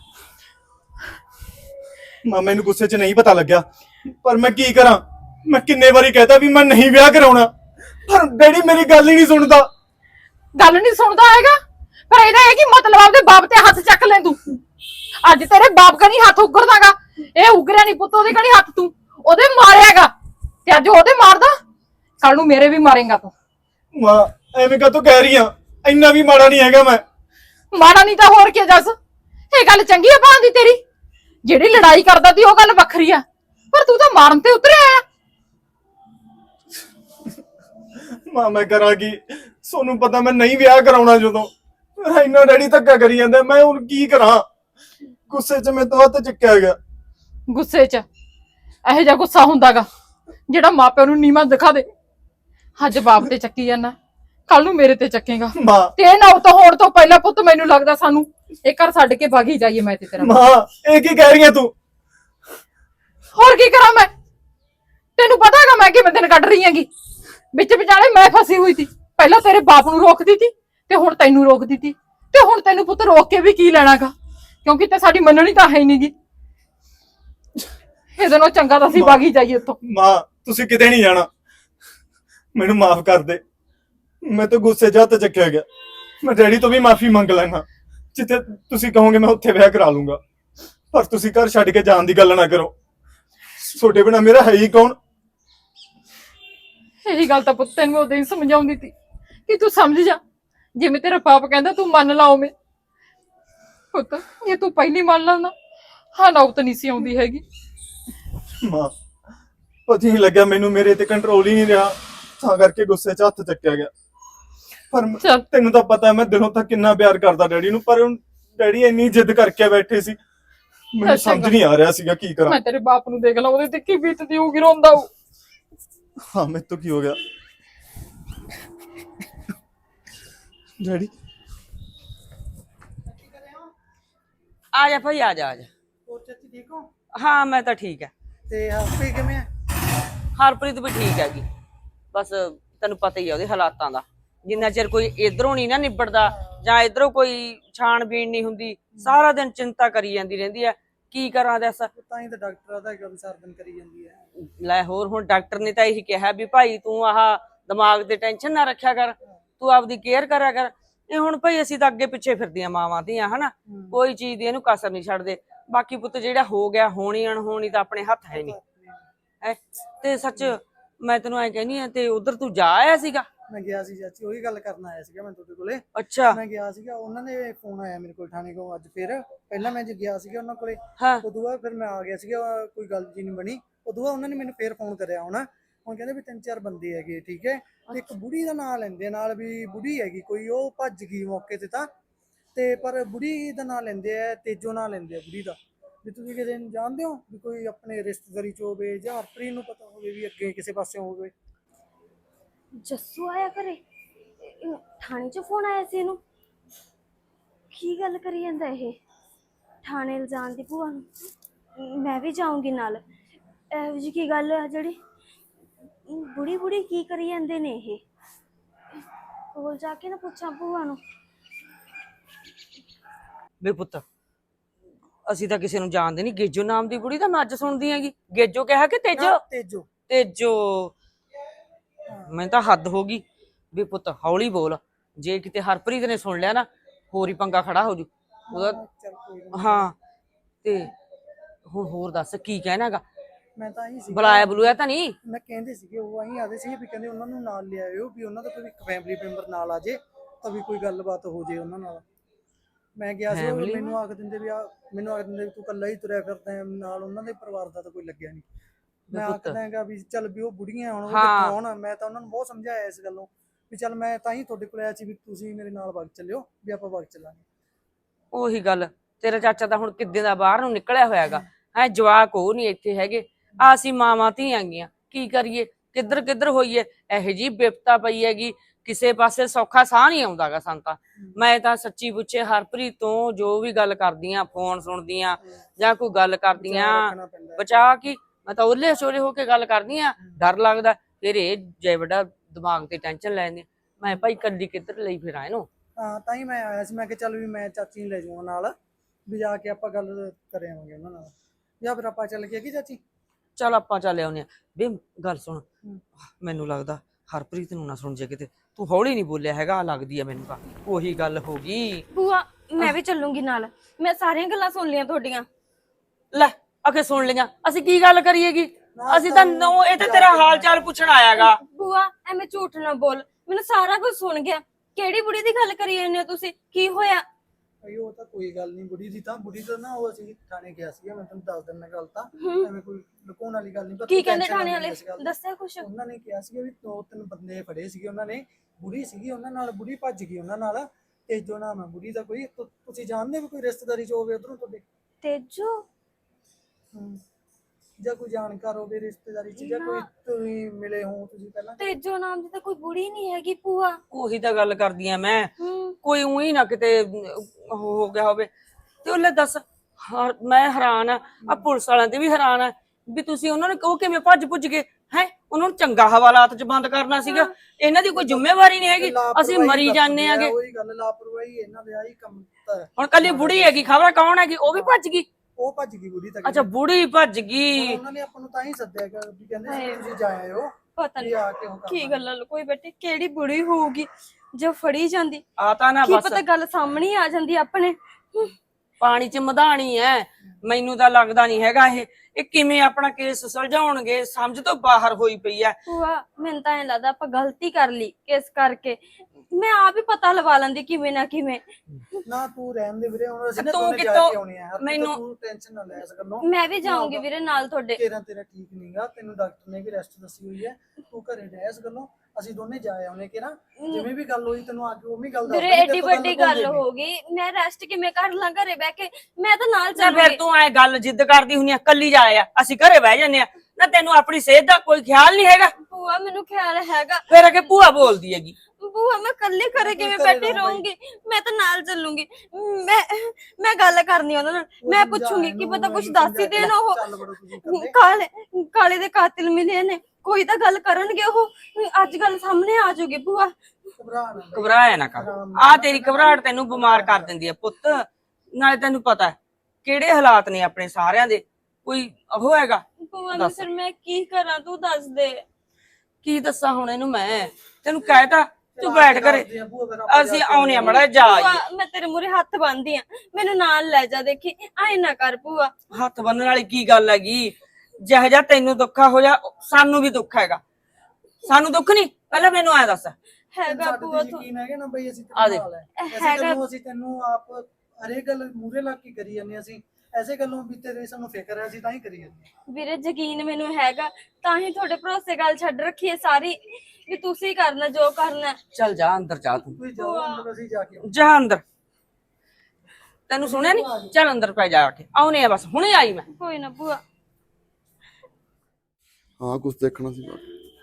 E: ਮਾਂ ਮੈਨੂੰ ਗੁੱਸੇ 'ਚ ਨਹੀਂ ਪਤਾ ਲੱਗਿਆ, ਪਰ ਮੈਂ ਕੀ ਕਰਾਂ? ਮੈਂ ਕਿੰਨੇ ਵਾਰੀ ਕਹਿਤਾ ਵੀ ਮੈਂ ਨਹੀਂ ਵਿਆਹ ਕਰਾਉਣਾ, ਪਰ ਡੈਡੀ ਮੇਰੀ ਗੱਲ ਹੀ ਨਹੀਂ ਸੁਣਦਾ।
C: ਗੱਲ ਨਹੀਂ ਸੁਣਦਾ ਹੈਗਾ, ਪਰ ਇਹਦਾ ਇਹ ਕਿ ਮਤਲਬ ਆਪਦੇ ਬਾਪ ਤੇ ਹੱਥ ਚੱਕ ਲੈ ਤੂੰ। ਅੱਜ ਤੇਰੇ ਬਾਪ ਕਣੀ ਹੱਥ ਉਗਰਦਾਗਾ, ਇਹ ਉਗਰਿਆ ਨਹੀਂ ਪੁੱਤ ਉਹਦੇ ਕਣੀ ਹੱਥ, ਤੂੰ ਉਹਦੇ ਮਾਰਿਆਗਾ, ਤੇ ਅੱਜ ਉਹਦੇ ਮਾਰਦਾ, ਕੱਲ ਨੂੰ ਮੇਰੇ ਵੀ ਮਾਰੇਗਾ ਤੂੰ।
E: ਮਾਂ ਐਵੇਂ ਕਾ ਤੂੰ ਕਹਿ ਰਹੀ ਆ? ਇੰਨਾ ਵੀ ਮਾੜਾ ਨਹੀਂ ਹੈਗਾ ਮੈਂ।
C: ਮਾੜਾ ਨਹੀਂ ਤਾਂ ਹੋਰ ਕੀ ਜੱਸ, ਇਹ ਗੱਲ ਚੰਗੀ ਆ ਭਾਂ ਦੀ ਤੇਰੀ? ਜਿਹੜੀ ਲੜਾਈ ਕਰਦਾ ਸੀ ਉਹ ਗੱਲ ਵੱਖਰੀ ਆ, ਪਰ ਤੂੰ ਤਾਂ ਮਾਰਨ ਤੇ ਉਤਰਿਆ ਆ।
E: ਮਾਂ ਮੈਂ ਕਰਾਂ ਕੀ? ਤੁਹਾਨੂੰ ਪਤਾ ਮੈਂ ਨਹੀਂ ਵਿਆਹ ਕਰਾਉਣਾ, ਜਦੋਂ ਇੰਨਾ ਡੈਡੀ ਧੱਕਾ ਕਰੀ ਜਾਂਦਾ, ਮੈਂ ਹੁਣ ਕੀ ਕਰਾਂ? ਗੁੱਸੇ 'ਚ ਮੈਂ ਤੋਂ ਹੱਥ ਚੱਕਿਆ ਗਿਆ।
C: ਗੁੱਸੇ 'ਚ ਇਹੋ ਜਿਹਾ ਗੁੱਸਾ ਹੁੰਦਾਗਾ ਜਿਹੜਾ ਮਾਪਿਆਂ ਨੂੰ ਨੀਵਾਂ ਦਿਖਾ ਦੇ। ਅੱਜ ਬਾਪ ਤੇ ਚੱਕੀ ਜਾਂਦਾ, ਕੱਲ ਨੂੰ ਮੇਰੇ ਤੇ ਚੱਕੇਗਾ।
E: ਮਾਂ
C: ਤੇ ਇਹ ਨਾ ਤਾਂ ਹੋਣ ਤੋਂ ਪਹਿਲਾਂ ਪੁੱਤ ਮੈਨੂੰ ਲੱਗਦਾ ਸਾਨੂੰ ਇਹ ਘਰ ਛੱਡ ਕੇ ਭਾਗੀ ਜਾਈਏ ਮੈਂ ਤੇ ਤੇਰਾ।
E: ਮਾਂ ਇਹ ਕੀ ਕਹਿ ਰਹੀ ਹੈ ਤੂੰ?
C: ਹੋਰ ਕੀ ਕਰਾਂ ਮੈਂ? ਤੈਨੂੰ ਪਤਾ ਹੈਗਾ ਮੈਂ ਕਿਵੇਂ ਦਿਨ ਕੱਢ ਰਹੀ ਹੈਗੀ, ਵਿੱਚ ਵਿਚਾਲੇ ਮੈਂ ਫਸੀ ਹੋਈ ਸੀ। ਪਹਿਲਾਂ ਤੇਰੇ ਬਾਪ ਨੂੰ ਰੋਕਦੀ ਸੀ ਤੇ ਹੁਣ ਤੈਨੂੰ ਰੋਕਦੀ ਸੀ, ਤੇ ਹੁਣ ਤੈਨੂੰ ਪੁੱਤ ਰੋਕ ਕੇ ਵੀ ਕੀ ਲੈਣਾਗਾ, ਕਿਉਂਕਿ ਤੇ ਸਾਡੀ ਮੰਨਣੀ ਤਾਂ ਹੈ ਹੀ ਨਹੀਂਗੀ। ਇਹਦੇ ਨਾਲੋਂ ਚੰਗਾ ਤਾਂ ਅਸੀਂ ਭਾਗੀ ਜਾਈਏ ਇੱਥੋਂ।
E: ਮਾਂ ਤੁਸੀਂ ਕਿਤੇ ਨਹੀਂ ਜਾਣਾ, ਮੈਨੂੰ ਮਾਫ ਕਰ ਦੇ। ਮੈਂ ਤਾਂ ਗੁੱਸੇ 'ਚ ਹੱਥ ਚੱਕਿਆ ਗਿਆ, ਮੈਂ ਡੈਡੀ ਤੋਂ ਵੀ ਮਾਫੀ ਮੰਗ ਲੈਣਾ। ਜਿੱਥੇ ਤੁਸੀਂ ਕਹੋਗੇ ਮੈਂ ਉੱਥੇ ਵਿਆਹ ਕਰਾ ਲੂੰਗਾ, ਪਰ ਤੁਸੀਂ ਘਰ ਛੱਡ ਕੇ ਜਾਣ ਦੀ ਗੱਲ ਨਾ ਕਰੋ। ਛੋਟੇ ਬਿਨਾ ਮੇਰਾ ਹੈ ਹੀ ਕੌਣ?
C: ਇਹੀ ਗੱਲ ਤਾਂ ਪੁੱਤ ਤੈਨੂੰ ਮੈਂ ਉਦੋਂ ਹੀ ਸਮਝਾਉਂਦੀ ਸੀ ਕਿ ਤੂੰ ਸਮਝ ਜਾ, ਜਿਵੇਂ ਤੇਰਾ ਬਾਪ ਕਹਿੰਦਾ ਤੂੰ ਮੰਨ ਲਾ ਉਵੇਂ। ਪੁੱਤ ਇਹ ਤੂੰ ਪਹਿਲੀ ਮੰਨ ਲਾ ਨਾ, ਹਾਂ ਨੌਬਤ ਨਹੀਂ ਸੀ ਆਉਂਦੀ ਹੈਗੀ।
E: ਮਾਂ ਪਤਾ ਨਹੀਂ ਲੱਗਿਆ ਮੈਨੂੰ, ਮੇਰੇ ਤੇ ਕੰਟਰੋਲ ਹੀ ਨਹੀਂ ਰਿਹਾ, ਤਾਂ ਕਰਕੇ ਗੁੱਸੇ 'ਚ ਹੱਥ ਚੱਕਿਆ ਗਿਆ। ਪਰ
C: ਚੱਲ।
E: ਤੈਨੂੰ ਤਾਂ ਪਤਾ ਮੈਂ ਦਿਲੋਂ ਤਾਂ ਕਿੰਨਾ ਪਿਆਰ ਕਰਦਾ ਡੈਡੀ ਨੂੰ, ਪਰ ਡੈਡੀ ਇੰਨੀ ਜਿੱਦ ਕਰਕੇ ਬੈਠੇ ਸੀ, ਮੈਨੂੰ
C: ਅੱਛਾ।
E: ਸਮਝ ਨਹੀਂ ਆ ਰਿਹਾ ਸੀਗਾ ਕੀ ਕਰਾਂ।
C: ਮੈਂ ਤੇਰੇ ਬਾਪ ਨੂੰ ਦੇਖ ਲਾ, ਉਹਦੇ ਤੇ ਕੀ ਬੀਤਦੀ ਹੋਊਗੀ, ਰੋਂਦਾ ਹੋਊ।
E: ਹਾਂ ਮੇਰੇ ਤੋਂ ਕੀ ਹੋ ਗਿਆ ਡੈਡੀ?
A: ਆ ਜਾ ਭਾਈ, ਆ ਜਾ ਆ ਜਾ।
F: ਹੋਰ ਚਾਚੀ ਠੀਕ ਹੋ?
A: ਹਾਂ ਮੈਂ ਤਾਂ ਠੀਕ ਹੈ।
F: ਤੇ ਹਸਪੀ ਕਿਵੇਂ ਆ?
A: ਹਰਪ੍ਰੀਤ ਵੀ ਠੀਕ ਹੈਗੀ, ਬਸ ਤੈਨੂੰ ਪਤਾ ਹੀ ਆ ਉਹਦੇ ਹਾਲਾਤਾਂ ਦਾ। ਜਿੰਨਾ ਚਿਰ ਕੋਈ ਇਧਰੋਂ ਨਹੀਂ ਨਾ ਨਿਬੜਦਾ ਜਾਂ ਇਧਰੋਂ ਕੋਈ ਛਾਣਬੀਣ ਨਹੀਂ ਹੁੰਦੀ, ਸਾਰਾ ਦਿਨ ਚਿੰਤਾ ਕਰੀ ਜਾਂਦੀ ਰਹਿੰਦੀ ਹੈ। ਕੀ ਕਰਾਂ ਦੱਸ?
F: ਤਾਂ ਹੀ ਤਾਂ ਡਾਕਟਰ ਦਾ ਗੱਲ ਸਾਰਾ ਦਿਨ ਕਰੀ ਜਾਂਦੀ ਹੈ।
A: ਲੈ ਹੋਰ, ਹੁਣ ਡਾਕਟਰ ਨੇ ਤਾਂ ਇਹੀ ਕਿਹਾ ਵੀ ਭਾਈ ਤੂੰ ਆਹ ਦਿਮਾਗ ਤੇ ਟੈਨਸ਼ਨ ਨਾ ਰੱਖਿਆ ਕਰ, ਤੂੰ ਆਪਦੀ ਕੇਅਰ ਕਰਿਆ ਕਰ। ਇਹ ਹੁਣ ਭਾਈ ਅਸੀਂ ਤਾਂ ਅੱਗੇ ਪਿੱਛੇ ਫਿਰਦੀਆਂ ਮਾਵਾਂ ਧੀਆਂ ਹਨਾ, ਕੋਈ ਚੀਜ਼ ਦੀ ਇਹਨੂੰ ਕਸਰ ਨਹੀਂ ਛੱਡਦੇ। ਬਾਕੀ ਪੁੱਤ ਜਿਹੜਾ ਹੋ ਗਿਆ, ਹੋਣੀ ਅਣਹੋਣੀ ਤਾਂ ਆਪਣੇ ਹੱਥ ਹੈ ਨਹੀਂ ਹੈ। ਤੇ ਸੱਚ ਮੈਂ ਤੈਨੂੰ ਐ ਕਹਿੰਦੀ ਆ, ਤੇ ਉਧਰ ਤੂੰ ਜਾ ਆਇਆ ਸੀਗਾ?
F: ਮੈਂ ਗਿਆ ਸੀ ਚਾਚੀ, ਉਹੀ ਗੱਲ ਕਰਨ ਆਇਆ ਸੀਗਾ ਮੈਂ ਤੁਹਾਡੇ ਕੋਲੇ।
A: ਅੱਛਾ।
F: ਮੈਂ ਗਿਆ ਸੀਗਾ, ਉਹਨਾਂ ਨੇ ਫੋਨ ਆਇਆ ਮੇਰੇ ਕੋਲ ਥਾਣੇ ਕੋਲ ਅੱਜ। ਫਿਰ ਪਹਿਲਾਂ ਮੈਂ ਗਿਆ ਸੀਗਾ ਉਹਨਾਂ ਕੋਲੇ,
A: ਹਾਂ।
F: ਉਦੋਂ ਬਾਅਦ ਫਿਰ ਮੈਂ ਆ ਗਿਆ ਸੀਗਾ, ਕੋਈ ਗੱਲ ਜੀ ਨਹੀਂ ਬਣੀ। ਉਦੋਂ ਬਾਅਦ ਉਹਨਾਂ ਨੇ ਮੈਨੂੰ ਫੇਰ ਫੋਨ ਕਰਿਆ ਹੁਣ ਕਹਿੰਦੇ ਵੀ 3-4 ਬੰਦੇ ਹੈਗੇ, ਠੀਕ ਹੈ। ਤੇ ਇੱਕ ਬੁੜੀ ਦਾ ਨਾਂ ਲੈਂਦੇ ਨਾਲ, ਵੀ ਬੁੜੀ ਹੈਗੀ ਕੋਈ, ਉਹ ਭੱਜ ਗਈ ਮੌਕੇ ਤੇ ਤਾਂ। ਤੇ ਪਰ ਬੁੜੀ ਦਾ ਨਾਂ ਲੈਂਦੇ ਆ, ਤੇਜੋ ਨਾਂ ਲੈਂਦੇ ਆ ਬੁੜੀ ਦਾ। ਵੀ ਤੁਸੀਂ ਕਿਸੇ ਨੂੰ ਜਾਣਦੇ ਹੋ ਵੀ ਕੋਈ ਆਪਣੇ ਰਿਸ਼ਤੇਦਾਰੀ ਚ ਹੋਵੇ, ਜਾਂ ਹਰਪ੍ਰੀਤ ਨੂੰ ਪਤਾ ਹੋਵੇ ਵੀ ਅੱਗੇ ਕਿਸੇ ਪਾਸੇ ਹੋਵੇ?
B: ਜੱਸੂ ਆਇਆ ਘਰੇ? ਥਾਣੇ 'ਚ ਫੋਨ ਆਇਆ ਸੀ ਇਹਨੂੰ? ਕੀ ਗੱਲ ਕਰੀ ਜਾਂਦਾ ਇਹ? ਥਾਣੇ ਲਿਜਾਣ ਦੀ ਭੂਆ ਨੂੰ? ਮੈਂ ਵੀ ਜਾਊਂਗੀ ਨਾਲ। ਇਹੋ ਜਿਹੀ ਕੀ ਗੱਲ ਆ ਜਿਹੜੀ ਬੁੜੀ ਬੁੜੀ ਕੀ ਕਰੀ ਜਾਂਦੇ ਨੇ ਇਹ? ਕੋਲ ਜਾ ਕੇ ਨਾ ਪੁੱਛਾਂ ਭੂਆ ਨੂੰ।
A: ਵੇ ਪੁੱਤ ਅਸੀਂ ਤਾਂ ਕਿਸੇ ਨੂੰ ਜਾਣਦੇ ਨਹੀਂ। ਗੇਜੋ ਨਾਮ ਦੀ ਬੁੜੀ ਤਾਂ ਮੈਂ ਅੱਜ ਸੁਣਦੀ ਹੈਗੀ। ਗੇਜੋ ਕਿਹਾ ਕਿ ਤੇਜੋ?
F: ਤੇਜੋ।
A: ਤੇਜੋ। ਮੈਂ ਤਾਂ ਹੱਦ ਹੋ ਗਈ। ਵੀ ਪੁੱਤ ਹੌਲੀ ਬੋਲ, ਜੇ ਕਿਤੇ ਹਰਪ੍ਰੀਤ ਨੇ ਸੁਣ ਲਿਆ ਨਾ ਹੋਰ ਹੀ ਪੰਗਾ ਖੜਾ ਹੋ ਜੂ ਉਹਦਾ।
F: ਚੱਲ ਕੋਈ ਨਾ।
A: ਹਾਂ ਤੇ ਹੁਣ ਹੋਰ ਦੱਸ ਕੀ ਕਹਿਣਾਗਾ?
F: ਮੈਂ ਤਾਂ ਆਹੀ ਸੀ,
A: ਬੁਲਾਇਆ ਬੁਲਾਇਆ ਤਾਂ ਨਹੀਂ?
F: ਮੈਂ ਕਹਿੰਦੇ ਸੀਗੇ ਉਹ ਆਹੀ ਆਦੇ ਸੀ ਵੀ ਕਹਿੰਦੇ ਉਹਨਾਂ ਨੂੰ ਨਾਲ ਲਿਆਇਓ, ਵੀ ਉਹਨਾਂ ਦਾ ਕੋਈ ਇੱਕ ਫੈਮਿਲੀ ਮੈਂਬਰ ਨਾਲ ਆ ਜੇ ਤਾਂ ਵੀ ਕੋਈ ਗੱਲਬਾਤ ਹੋ ਜੇ ਉਹਨਾਂ ਨਾਲ। ਮੈਂ ਗਿਆ ਸੀ, ਉਹ ਮੈਨੂੰ ਆਖ ਦਿੰਦੇ ਵੀ ਤੂੰ ਇਕੱਲਾ ਹੀ ਤੁਰਿਆ ਫਿਰਦਾ ਹੈ ਨਾਲ, ਉਹਨਾਂ ਦੇ ਪਰਿਵਾਰ ਦਾ ਤਾਂ ਕੋਈ ਲੱਗਿਆ ਨਹੀਂ। ਮੈਂ ਆਖਦਾ ਹੈਗਾ ਵੀ ਚੱਲ ਵੀ ਉਹ ਬੁੜੀਆਂ ਹੁਣ ਉਹ ਕਿੱਥੋਂ ਆਉਣ। ਮੈਂ ਤਾਂ ਉਹਨਾਂ ਨੂੰ ਬਹੁਤ ਸਮਝਾਇਆ ਇਸ ਗੱਲੋਂ ਵੀ ਚੱਲ ਮੈਂ ਤਾਂ ਹੀ ਤੁਹਾਡੇ ਕੋਲ ਆਇਆ ਸੀ ਵੀ ਤੁਸੀਂ ਮੇਰੇ ਨਾਲ ਵਗ ਚੱਲਿਓ, ਵੀ ਆਪਾਂ ਵਗ ਚੱਲਾਂਗੇ।
A: ਉਹੀ ਗੱਲ, ਤੇਰਾ ਚਾਚਾ ਤਾਂ ਹੁਣ ਕਿੱਦਾਂ ਦਾ ਬਾਹਰ ਨੂੰ ਨਿਕਲਿਆ ਹੋਇਆਗਾ ਹੈ। ਜਵਾਕ ਉਹ ਨਹੀਂ ਇੱਥੇ ਹੈਗੇ, ਆ ਅਸੀਂ ਮਾਵਾਂ ਧੀਆਂ ਗੀਆਂ, ਕੀ ਕਰੀਏ? ਕਿੱਧਰ ਕਿੱਧਰ ਹੋਈਏ? ਇਹੋ ਜੀ ਬਿਪਤਾ ਪਈ ਹੈਗੀ, ਕਿਸੇ ਪਾਸੇ ਸੌਖਾ ਸਾਹ ਨਹੀਂ ਆਉਂਦਾਗਾ ਸਾਨੂੰ ਤਾਂ। ਮੈਂ ਤਾਂ ਸੱਚੀ ਪੁੱਛੇ ਹਰਪ੍ਰੀਤ ਤੋਂ ਜੋ ਵੀ ਗੱਲ ਕਰਦੀਆਂ, ਫੋਨ ਸੁਣਦੀਆਂ ਜਾਂ ਕੋਈ ਗੱਲ ਕਰਦੀਆਂ, ਬਚਾ ਕੀ ਮੈਂ ਤਾਂ ਉਹਲੇ ਸੋਲੇ ਹੋ ਕੇ ਗੱਲ ਕਰਦੀ ਆ। ਡਰ ਲੱਗਦਾ ਫਿਰ ਇਹ ਜੇ ਵੱਡਾ ਦਿਮਾਗ ਤੇ ਟੈਨਸ਼ਨ ਲੈਂਦੇ। ਮੈਂ ਭਾਈ ਕੱਲੀ ਕਿੱਧਰ ਲਈ ਫਿਰਾਂ ਇਹਨੂੰ।
F: ਹਾਂ ਤਾਂ ਹੀ ਮੈਂ ਆਇਆ ਸੀ। ਮੈਂ ਕਿਹਾ ਚੱਲ ਵੀ ਮੈਂ ਚਾਚੀ ਨੂੰ ਲੈ ਜਾਊਂਗਾ ਨਾਲ, ਵੀ ਜਾ ਕੇ ਆਪਾਂ ਗੱਲ ਕਰ ਆਵਾਂਗੇ ਉਹਨਾਂ ਨਾਲ, ਜਾਂ ਫਿਰ ਆਪਾਂ ਚੱਲ ਗਏ ਕਿ ਚਾਚੀ?
A: ਚੱਲ ਆਪਾਂ ਚੱਲ ਆਉਂਦੇ ਆ। ਵੀ ਗੱਲ ਸੁਣ, ਮੈਨੂੰ ਲੱਗਦਾ ਹਰਪ੍ਰੀਤ ਨੂੰ ਨਾ ਸੁਣ ਜੇ ਕਿਤੇ। ਤੂੰ ਹੌਲੀ ਨਹੀਂ ਬੋਲਿਆ ਹੈਗਾ, ਲੱਗਦੀ ਆ ਮੈਨੂੰ ਤਾਂ ਉਹੀ ਗੱਲ ਹੋ ਗਈ।
B: ਭੂਆ ਮੈਂ ਵੀ ਚੱਲੂੰਗੀ ਨਾਲ, ਮੈਂ ਸਾਰੀਆਂ ਗੱਲਾਂ ਸੁਣ ਲਈਆਂ ਤੁਹਾਡੀਆਂ।
A: ਲੈ ਅਖੇ ਸੁਣ ਲਈਆਂ, ਅਸੀਂ ਕੀ ਗੱਲ ਕਰੀਏਗੀ? ਅਸੀਂ ਤਾਂ ਇਹ ਤਾਂ ਤੇਰਾ ਹਾਲ ਚਾਲ ਪੁੱਛਣ ਆਇਆਗਾ।
B: ਭੂਆ ਐਵੇਂ ਝੂਠ ਨਾ ਬੋਲ, ਮੈਨੂੰ ਸਾਰਾ ਕੁਝ ਸੁਣ ਗਿਆ। ਕਿਹੜੀ ਬੁੜੀ ਦੀ ਗੱਲ ਕਰੀ ਜਾਂਦੇ ਹੋ ਤੁਸੀਂ? ਕੀ ਹੋਇਆ?
F: ਉਹ ਤਾਂ ਕੋਈ ਗੱਲ ਨਹੀਂ, ਬੁੜੀ ਤਾਂ ਨਾ ਉਹ ਅਸੀਂ ਥਾਣੇ ਗਿਆ ਸੀਗਾ, ਮੈਂ ਤੁਹਾਨੂੰ ਦੱਸ ਦਿੰਦਾ ਗੱਲ ਤਾਂ। ਐਵੇਂ ਕੋਈ ਲੁਕਾਉਣ ਵਾਲੀ ਗੱਲ ਨਹੀਂ।
B: ਕੀ ਕਹਿੰਦੇ ਥਾਣੇ ਵਾਲੇ? ਦੱਸਿਆ ਕੁਛ?
F: ਉਹਨਾਂ ਨੇ ਕਿਹਾ ਸੀਗਾ ਵੀ 2-3 ਬੰਦੇ ਫੜੇ ਸੀਗੇ ਉਹਨਾਂ ਨੇ, ਬੁੜੀ ਸੀਗੀ ਉਹਨਾਂ ਨਾਲ, ਬੁੜੀ ਭੱਜ ਗਈ ਉਹਨਾਂ ਨਾਲ। ਤੇਜੋ ਨਾਮ ਹੈ ਬੁੜੀ ਦਾ ਕੋਈ। ਤੁਸੀਂ ਜਾਣਦੇ ਵੀ ਕੋਈ ਰਿਸ਼ਤੇਦਾਰੀ ਚ ਹੋਵੇ ਉਧਰੋਂ ਤੁਹਾਡੇ?
B: ਤੇਜੋ?
F: ਜਾਂ ਕੋਈ ਜਾਣਕਾਰ ਹੋਵੇ ਰਿਸ਼ਤੇਦਾਰੀ ਚ, ਜਾਂ ਕੋਈ ਤੁਸੀਂ ਮਿਲੇ ਹੋ ਤੁਸੀਂ ਪਹਿਲਾਂ?
B: ਤੇਜੋ ਨਾਮ ਦੀ ਤਾਂ ਕੋਈ ਬੁੜੀ ਨਹੀਂ ਹੈਗੀ ਭੂਆ।
A: ਉਹੀ ਤਾਂ ਗੱਲ ਕਰਦੀ ਆ ਮੈਂ, ਕੋਈ ਉਹੀ ਨਾ ਕਿਤੇ ਹੋ ਗਿਆ ਹੋਵੇ। ਤੇ ਉਹਲੇ ਦੱਸ, ਮੈਂ ਹੈਰਾਨ ਆ ਪੁਲਿਸ ਵਾਲਿਆਂ ਤੇ ਵੀ ਹੈਰਾਨ ਆ ਵੀ ਤੁਸੀਂ ਉਹਨਾਂ ਨੂੰ ਉਹ ਕਿਵੇਂ ਭੱਜ ਭੁੱਜ ਗਏ ਹੈ? ਉਹਨਾਂ ਨੂੰ ਚੰਗਾ ਹਵਾਲਾਤ ਚ ਬੰਦ ਕਰਨਾ ਸੀਗਾ। ਇਹਨਾਂ ਦੀ ਕੋਈ ਜ਼ਿੰਮੇਵਾਰੀ ਨਹੀਂ ਹੈਗੀ, ਅਸੀਂ ਮਰੀ ਜਾਂਦੇ ਆਗੇ।
F: ਉਹੀ ਗੱਲ, ਲਾਪਰਵਾਹੀ ਇਹਨਾਂ ਦੇ ਆਹੀ ਕੰਮ ਤਾਂ।
A: ਹੁਣ ਕੱਲੀ ਬੁੜੀ ਹੈਗੀ, ਖਬਰ ਕੌਣ ਹੈਗੀ? ਉਹ ਵੀ ਭੱਜ ਗਈ?
F: ਉਹ ਭੱਜ ਗਈ ਬੁੜੀ ਤਾਂ।
A: ਅੱਛਾ ਬੁੜੀ ਭੱਜ ਗਈ।
F: ਉਹਨਾਂ ਨੇ ਆਪਾਂ ਨੂੰ ਤਾਂ ਹੀ ਸੱਦਿਆ ਕਿ ਵੀ ਕਹਿੰਦੇ ਸੀ ਤੁਸੀਂ ਜਾ ਆਇਓ।
B: ਪਤਾ
F: ਨਹੀਂ ਆ ਕੇ
B: ਕੀ ਗੱਲਾਂ ਲੁਕੋਈ ਬੈਠੇ, ਕਿਹੜੀ ਬੁੜੀ ਹੋਊਗੀ ਜੋ ਫੜੀ ਜਾਂਦੀ?
A: ਆ ਤਾਂ ਨਾ
B: ਕੀ
A: ਬਸ
B: ਪਤਾ ਗੱਲ ਸਾਹਮਣੇ ਆ ਜਾਂਦੀ ਆਪਣੇ।
A: ਪਾਣੀ 'ਚ ਮਧਾਣੀ ਐ। ਮੈਨੂੰ ਤਾਂ ਲੱਗਦਾ ਨਹੀਂ ਹੈਗਾ ਇਹ ਕਿਵੇਂ ਆਪਣਾ ਕੇਸ ਸੁਲਝਾਉਣਗੇ, ਸਮਝ ਤੋਂ ਬਾਹਰ ਹੋਈ ਪਈ ਐ।
B: ਭੂਆ ਮੈਨੂੰ ਤਾਂ ਐ ਲੱਗਦਾ ਆਪਾਂ ਗਲਤੀ ਕਰ ਲਈ ਕਿਸ ਕਰਕੇ। ਮੈਂ ਆਪ ਹੀ ਪਤਾ ਲਵਾ ਲੈਂਦੀ ਕਿਵੇਂ ਨਾ ਕਿਵੇਂ।
F: ਨਾ ਤੂੰ ਰਹਿਣ ਦੇ ਵੀਰੇ, ਹੁਣ ਅਸੀਂ ਨਾ
A: ਤੂੰ
F: ਦੋਨੇ ਜਾ
A: ਕਿੱਥੋਂ-
F: ਕੇ ਆਉਣੇ ਆ।
A: ਮੈਨੂੰ-
F: ਤੂੰ ਟੈਨਸ਼ਨ ਨਾ ਲੈ ਇਸ ਗੱਲੋਂ।
B: ਮੈਂ ਵੀ ਜਾਊਂਗੀ ਵੀਰੇ ਨਾਲ ਤੁਹਾਡੇ।
F: ਤੇਰਾ ਠੀਕ ਨਹੀਂਗਾ, ਤੈਨੂੰ ਡਾਕਟਰ ਨੇ ਵੀ ਰੈਸਟ ਦੱਸੀ ਹੋਈ ਹੈ। ਤੂੰ ਘਰੇ ਰਹਿ ਇਸ ਗੱਲੋਂ, ਅਸੀਂ ਦੋਨੇ ਜਾ ਆਉਣੇ ਕਿ ਨਾ ਜਿਵੇਂ ਵੀ ਗੱਲ ਹੋਈ ਤੈਨੂੰ ਆ ਕੇ ਉਵੇਂ ਗੱਲ ਦੱਸ
B: ਵੀਰੇ ਏਡੀ ਵੱਡੀ ਗੱਲ ਹੋ ਗਈ, ਮੈਂ ਰੈਸਟ ਕਿਵੇਂ ਕਰ ਲਾਂ ਘਰੇ ਬਹਿ ਕੇ? ਮੈਂ ਤਾਂ ਨਾਲ
A: ਚੱਲ ਫਿਰ
B: ਚੱਲੂਗੀ।
A: ਤੂੰ ਐ ਗੱਲ ਜਿੱਦ ਕਰਦੀ ਹੁੰਨੀ ਆ, ਕੱਲੀ ਜਾ ਆ, ਅਸੀਂ ਘਰੇ ਬਹਿ ਜੰਨੇ ਆ ਨਾ। ਤੈਨੂੰ ਆਪਣੀ ਸਿਹਤ ਦਾ ਕੋਈ ਖਿਆਲ ਨਹੀਂ ਹੈਗਾ?
B: ਭੂਆ ਮੈਨੂੰ ਖਿਆਲ ਹੈਗਾ।
A: ਫਿਰ ਅਗੇ ਭੂਆ ਬੋਲਦੀ ਹੈਗੀ।
B: ਭੂਆ ਮੈਂ ਇਕੱਲੇ ਘਰੇ ਕਿਵੇਂ ਬੈਠੀ ਰਹੂੰਗੀ? ਮੈਂ ਤਾਂ ਨਾਲ ਚੱਲੂੰਗੀ। ਮੈਂ ਗੱਲ ਕਰਨੀ ਉਹਨਾਂ ਨਾਲ, ਮੈਂ ਪੁੱਛੂੰਗੀ ਕਿ ਪਤਾ ਕੁਝ ਦੱਸ ਹੀ ਦੇਣ ਉਹ। ਕਾਲੇ ਦੇ ਕਾਤਿਲ ਮਿਲੇ ਨੇ, ਕੋਈ ਤਾਂ ਗੱਲ ਕਰਨਗੇ ਉਹ। ਅੱਜ ਗੱਲ ਸਾਹਮਣੇ ਆ ਜਾਊਗੀ ਭੂਆ।
A: ਘਬਰਾਇਆ ਨਾ ਕਰ, ਆ ਤੇਰੀ ਘਬਰਾਹਟ ਤੈਨੂੰ ਬਿਮਾਰ ਕਰ ਦਿੰਦੀ ਆ ਪੁੱਤ। ਨਾਲੇ ਤੈਨੂੰ ਪਤਾ ਕਿਹੜੇ ਹਾਲਾਤ ਨੇ ਆਪਣੇ ਸਾਰਿਆਂ ਦੇ, ਕੋਈ ਉਹ ਹੈਗਾ?
B: ਭੂਆ ਨੂੰ ਫਿਰ ਮੈਂ ਕੀ ਕਰਾਂ, ਤੂੰ ਦੱਸ ਦੇ।
A: ਕੀ ਦੱਸਾਂ ਹੁਣ ਇਹਨੂੰ ਮੈਂ? ਤੈਨੂੰ ਕਹਿਤਾ ਤੂੰ ਬੈਠ ਘਰੇ, ਅਸੀਂ ਆਉਣੇ ਆ ਮੜਾ ਜਾ।
B: ਭੂਆ ਮੈਂ ਤੇਰੇ ਮੂਹਰੇ ਹੱਥ ਬੰਨਦੀ ਆ, ਮੈਨੂੰ ਨਾਲ ਲੈ ਜਾ। ਦੇਖੀ ਆਏ ਨਾ ਕਰ ਭੂਆ।
A: ਹੱਥ ਬੰਨਣ ਵਾਲੀ ਕੀ ਗੱਲ ਹੈਗੀ? ਜਿਹੋ ਜਿਹਾ ਤੈਨੂੰ ਦੁੱਖਾ ਹੋ ਜਾ, ਸਾਨੂੰ ਵੀ ਦੁੱਖ ਹੈਗਾ। ਸਾਨੂੰ ਦੁੱਖ ਨਹੀਂ, ਪਹਿਲਾਂ ਮੈਨੂੰ ਐ ਦੱਸ।
B: ਹੈਗਾ ਭੂਆ
F: ਯਕੀਨ ਹੈਗਾ ਨਾ ਬਈ, ਅਸੀਂ
A: ਆ ਦੇ।
B: ਹੈਗਾ।
F: ਅਸੀਂ ਤੈਨੂੰ ਆਪ ਹਰੇਕ ਗੱਲ ਮੂਹਰੇ ਲੱਗ ਕੇ ਕਰੀ ਜਾਂਦੇ। ਅਸੀਂ ਐਸੇ ਗੱਲੋਂ ਵੀ ਤੇਰੇ ਸਾਨੂੰ ਫਿਕਰ ਹੈ, ਅਸੀਂ ਤਾਂ ਹੀ ਕਰੀ ਜਾਂਦੇ।
B: ਵੀਰੇ ਯਕੀਨ ਮੈਨੂੰ ਹੈਗਾ, ਤਾਂ ਹੀ ਤੁਹਾਡੇ ਭਰੋਸੇ ਗੱਲ ਛੱਡ ਰੱਖੀ ਹੈ ਸਾਰੀ, ਵੀ ਤੁਸੀਂ ਕਰਨਾ ਜੋ ਕਰਨਾ।
A: ਚੱਲ ਜਾ ਅੰਦਰ ਜਾ, ਤੂੰ
F: ਤੁਸੀਂ ਜਾਓ ਅੰਦਰ, ਅਸੀਂ ਜਾ ਕੇ ਆਉਂਦੇ।
A: ਜਾ ਅੰਦਰ। ਤੈਨੂੰ ਸੁਣਿਆ ਨਹੀਂ? ਚੱਲ ਅੰਦਰ ਪੈ ਜਾ ਕੇ, ਆਉਣੇ ਆ ਬਸ, ਹੁਣੇ ਆਈ ਮੈਂ।
B: ਕੋਈ ਨਾ ਭੂਆ।
D: ਹਾਂ ਕੁਝ ਦੇਖਣਾ ਸੀ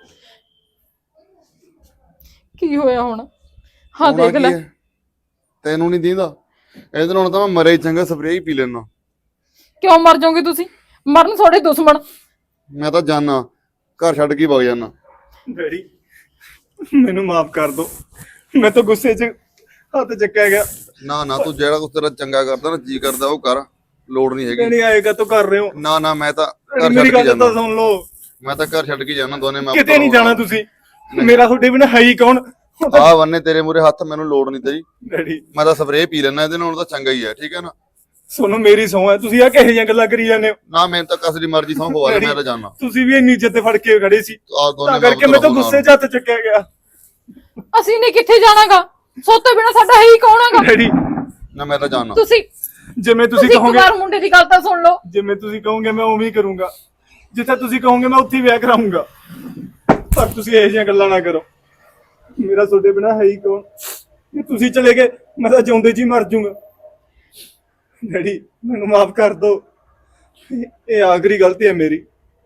C: ਕੀ ਹੋਇਆ ਹੁਣ? ਹਾਂ ਦੇਖ ਲੈ।
D: ਤੈਨੂੰ ਨਹੀਂ ਦੀਂਦਾ? ਇਹਦੇ ਨਾਲ ਤਾਂ ਮੈਂ ਮਰੇ ਹੀ ਚੰਗਾ, ਸਪਰੇਅ ਹੀ ਪੀ ਲੈਣਾ।
C: ਕਿਉਂ ਮਰ ਜਾਓਗੇ ਤੁਸੀਂ? ਮਰਨ ਤੁਹਾਡੇ ਦੁਸ਼ਮਣ।
D: ਮੈਂ ਤਾਂ ਜਾਣਾ, ਘਰ ਛੱਡ ਕੇ ਵਗ ਜਾਣਾ।
E: ਡੈਡੀ ਮੈਨੂੰ ਮਾਫ ਕਰ ਦੋ, ਮੈਂ ਤਾਂ ਗੁੱਸੇ 'ਚ ਹੱਥ ਚੱਕਿਆ ਗਿਆ।
D: ਨਾ ਨਾ, ਤੂੰ ਜਿਹੜਾ ਕੁਛ ਤੇਰਾ ਚੰਗਾ ਕਰਦਾ ਨਾ, ਜੀ ਕਰਦਾ ਉਹ ਕਰ, ਲੋੜ ਨਹੀਂ ਹੈਗੀ।
E: ਨਹੀਂ ਆਏਗਾ ਤੂੰ ਕਰ ਰਹੇ ਹੋ।
D: ਨਾ ਨਾ, ਮੈਂ ਤਾਂ ਘਰ
E: ਮੇਰੀ
D: ਛੱਡ ਕੇ
E: ਗੱਲ ਤਾਂ
D: ਜਾਣਾ।
E: ਸੁਣ ਲਓ,
D: ਮੈਂ ਤਾਂ ਘਰ ਛੱਡ ਕੇ ਜਾਣਾ, ਦੋਨੇ ਮੈਂ
E: ਕਿਤੇ ਨਹੀਂ ਜਾਣਾ ਤੁਸੀਂ। ਮੇਰਾ ਤੁਹਾਡੇ ਬਿਨਾਂ ਹੈ ਹੀ ਕੌਣ?
D: ਆ ਬੰਨੇ ਤੇਰੇ ਮੂਰੇ ਹੱਥ, ਮੈਨੂੰ ਲੋੜ ਨਹੀਂ ਤੇਰੀ।
E: ਡੈਡੀ
D: ਮੈਂ ਤਾਂ ਸਪਰੇਅ ਪੀ ਲੈਣਾ, ਇਹਦੇ ਨਾਲ ਤਾਂ ਚੰਗਾ ਹੀ ਹੈ, ਠੀਕ ਹੈ ਨਾ।
E: ਸੁਣੋ ਮੇਰੀ ਸਹੁੰ ਹੈ, ਤੁਸੀਂ ਆ ਕਿਹੋ ਜਿਹੀਆਂ ਗੱਲਾਂ ਕਰੀ ਜਾਂਦੇ ਹੋ?
D: ਨਾ ਮੈਨੂੰ ਤਾਂ ਕਸ ਦੀ ਮਰਜ਼ੀ ਸੌਂ ਖਵਾ ਦੇ, ਮੈਂ ਤਾਂ ਜਾਣਾ।
E: ਤੁਸੀਂ ਵੀ ਇੰਨੀ ਇੱਜ਼ਤ ਤੇ ਫੜ ਕੇ ਖੜੇ ਸੀ,
D: ਆ ਦੋਨੇ
E: ਤਾਂ ਕਰਕੇ ਮੈਂ ਤਾਂ ਗੁੱਸੇ 'ਚ ਹੱਥ ਚੱਕਿਆ ਗਿਆ।
C: ਅਸੀਂ ਨੇ ਕਿੱਥੇ ਜਾਣਾਗਾ? ਸੋਤੇ ਬਿਨਾ ਸਾਡਾ ਹੈ ਹੀ ਕੌਣ ਹੈਗਾ?
E: ਡੈਡੀ
D: ਨਾ ਮੈਂ ਤਾਂ ਜਾਣਾ।
C: ਤੁਸੀਂ
E: ਜਿਵੇਂ ਤੁਸੀਂ
C: ਤੁਸੀਂ ਇੱਕ
E: ਕਹੋਗੇ,
C: ਵਾਰ ਮੁੰਡੇ ਦੀ ਗੱਲ ਤਾਂ ਸੁਣ ਲਓ।
E: ਜਿਵੇਂ ਤੁਸੀਂ ਕਹੋਗੇ ਮੈਂ ਉਵੇਂ ਹੀ ਕਰੂੰਗਾ। ਜਿੱਥੇ ਤੁਸੀਂ ਕਹੋਗੇ ਮੈਂ ਉੱਥੇ ਹੀ ਵਿਆਹ ਕਰਾਉਂਗਾ। ਪਰ ਤੁਸੀਂ ਇਹੋ ਜਿਹੀਆਂ ਗੱਲਾਂ ਨਾ ਕਰੋ, ਮੇਰਾ ਤੁਹਾਡੇ ਬਿਨਾਂ ਹੈ ਹੀ ਕੌਣ? ਜੇ ਤੁਸੀਂ ਚਲੇ ਗਏ ਮੈਂ ਤਾਂ ਜਿਉਂਦੇ ਜੀ ਮਰ ਜਾਊਂਗਾ। ਡੈਡੀ ਮੈਨੂੰ ਮਾਫ ਕਰ ਦਿਓ, ਇਹ ਆਖਰੀ ਗਲਤੀ ਹੈ ਮੇਰੀ।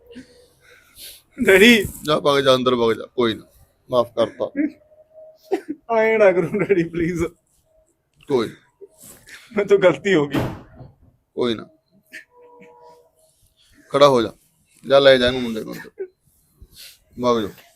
E: ਡੈਡੀ
D: ਜਾ ਵਗ ਜਾ ਅੰਦਰ, ਵਗ ਜਾ, ਕੋਈ ਨਾ, ਮਾਫ ਕਰਤਾ।
E: ਆਏ ਨਾ ਕਰੋ ਡੈਡੀ ਪਲੀਜ਼,
D: ਕੋਈ
E: ਮੈਂ ਤੋਂ ਗਲਤੀ ਹੋ ਗਈ।
D: ਕੋਈ ਨਾ, ਖੜਾ ਹੋ ਜਾ, ਜਾ ਲੈ ਜਾ ਇਹਨੂੰ ਮੁੰਡੇ ਨੂੰ ਅੰਦਰ, ਵਗ ਜਾ।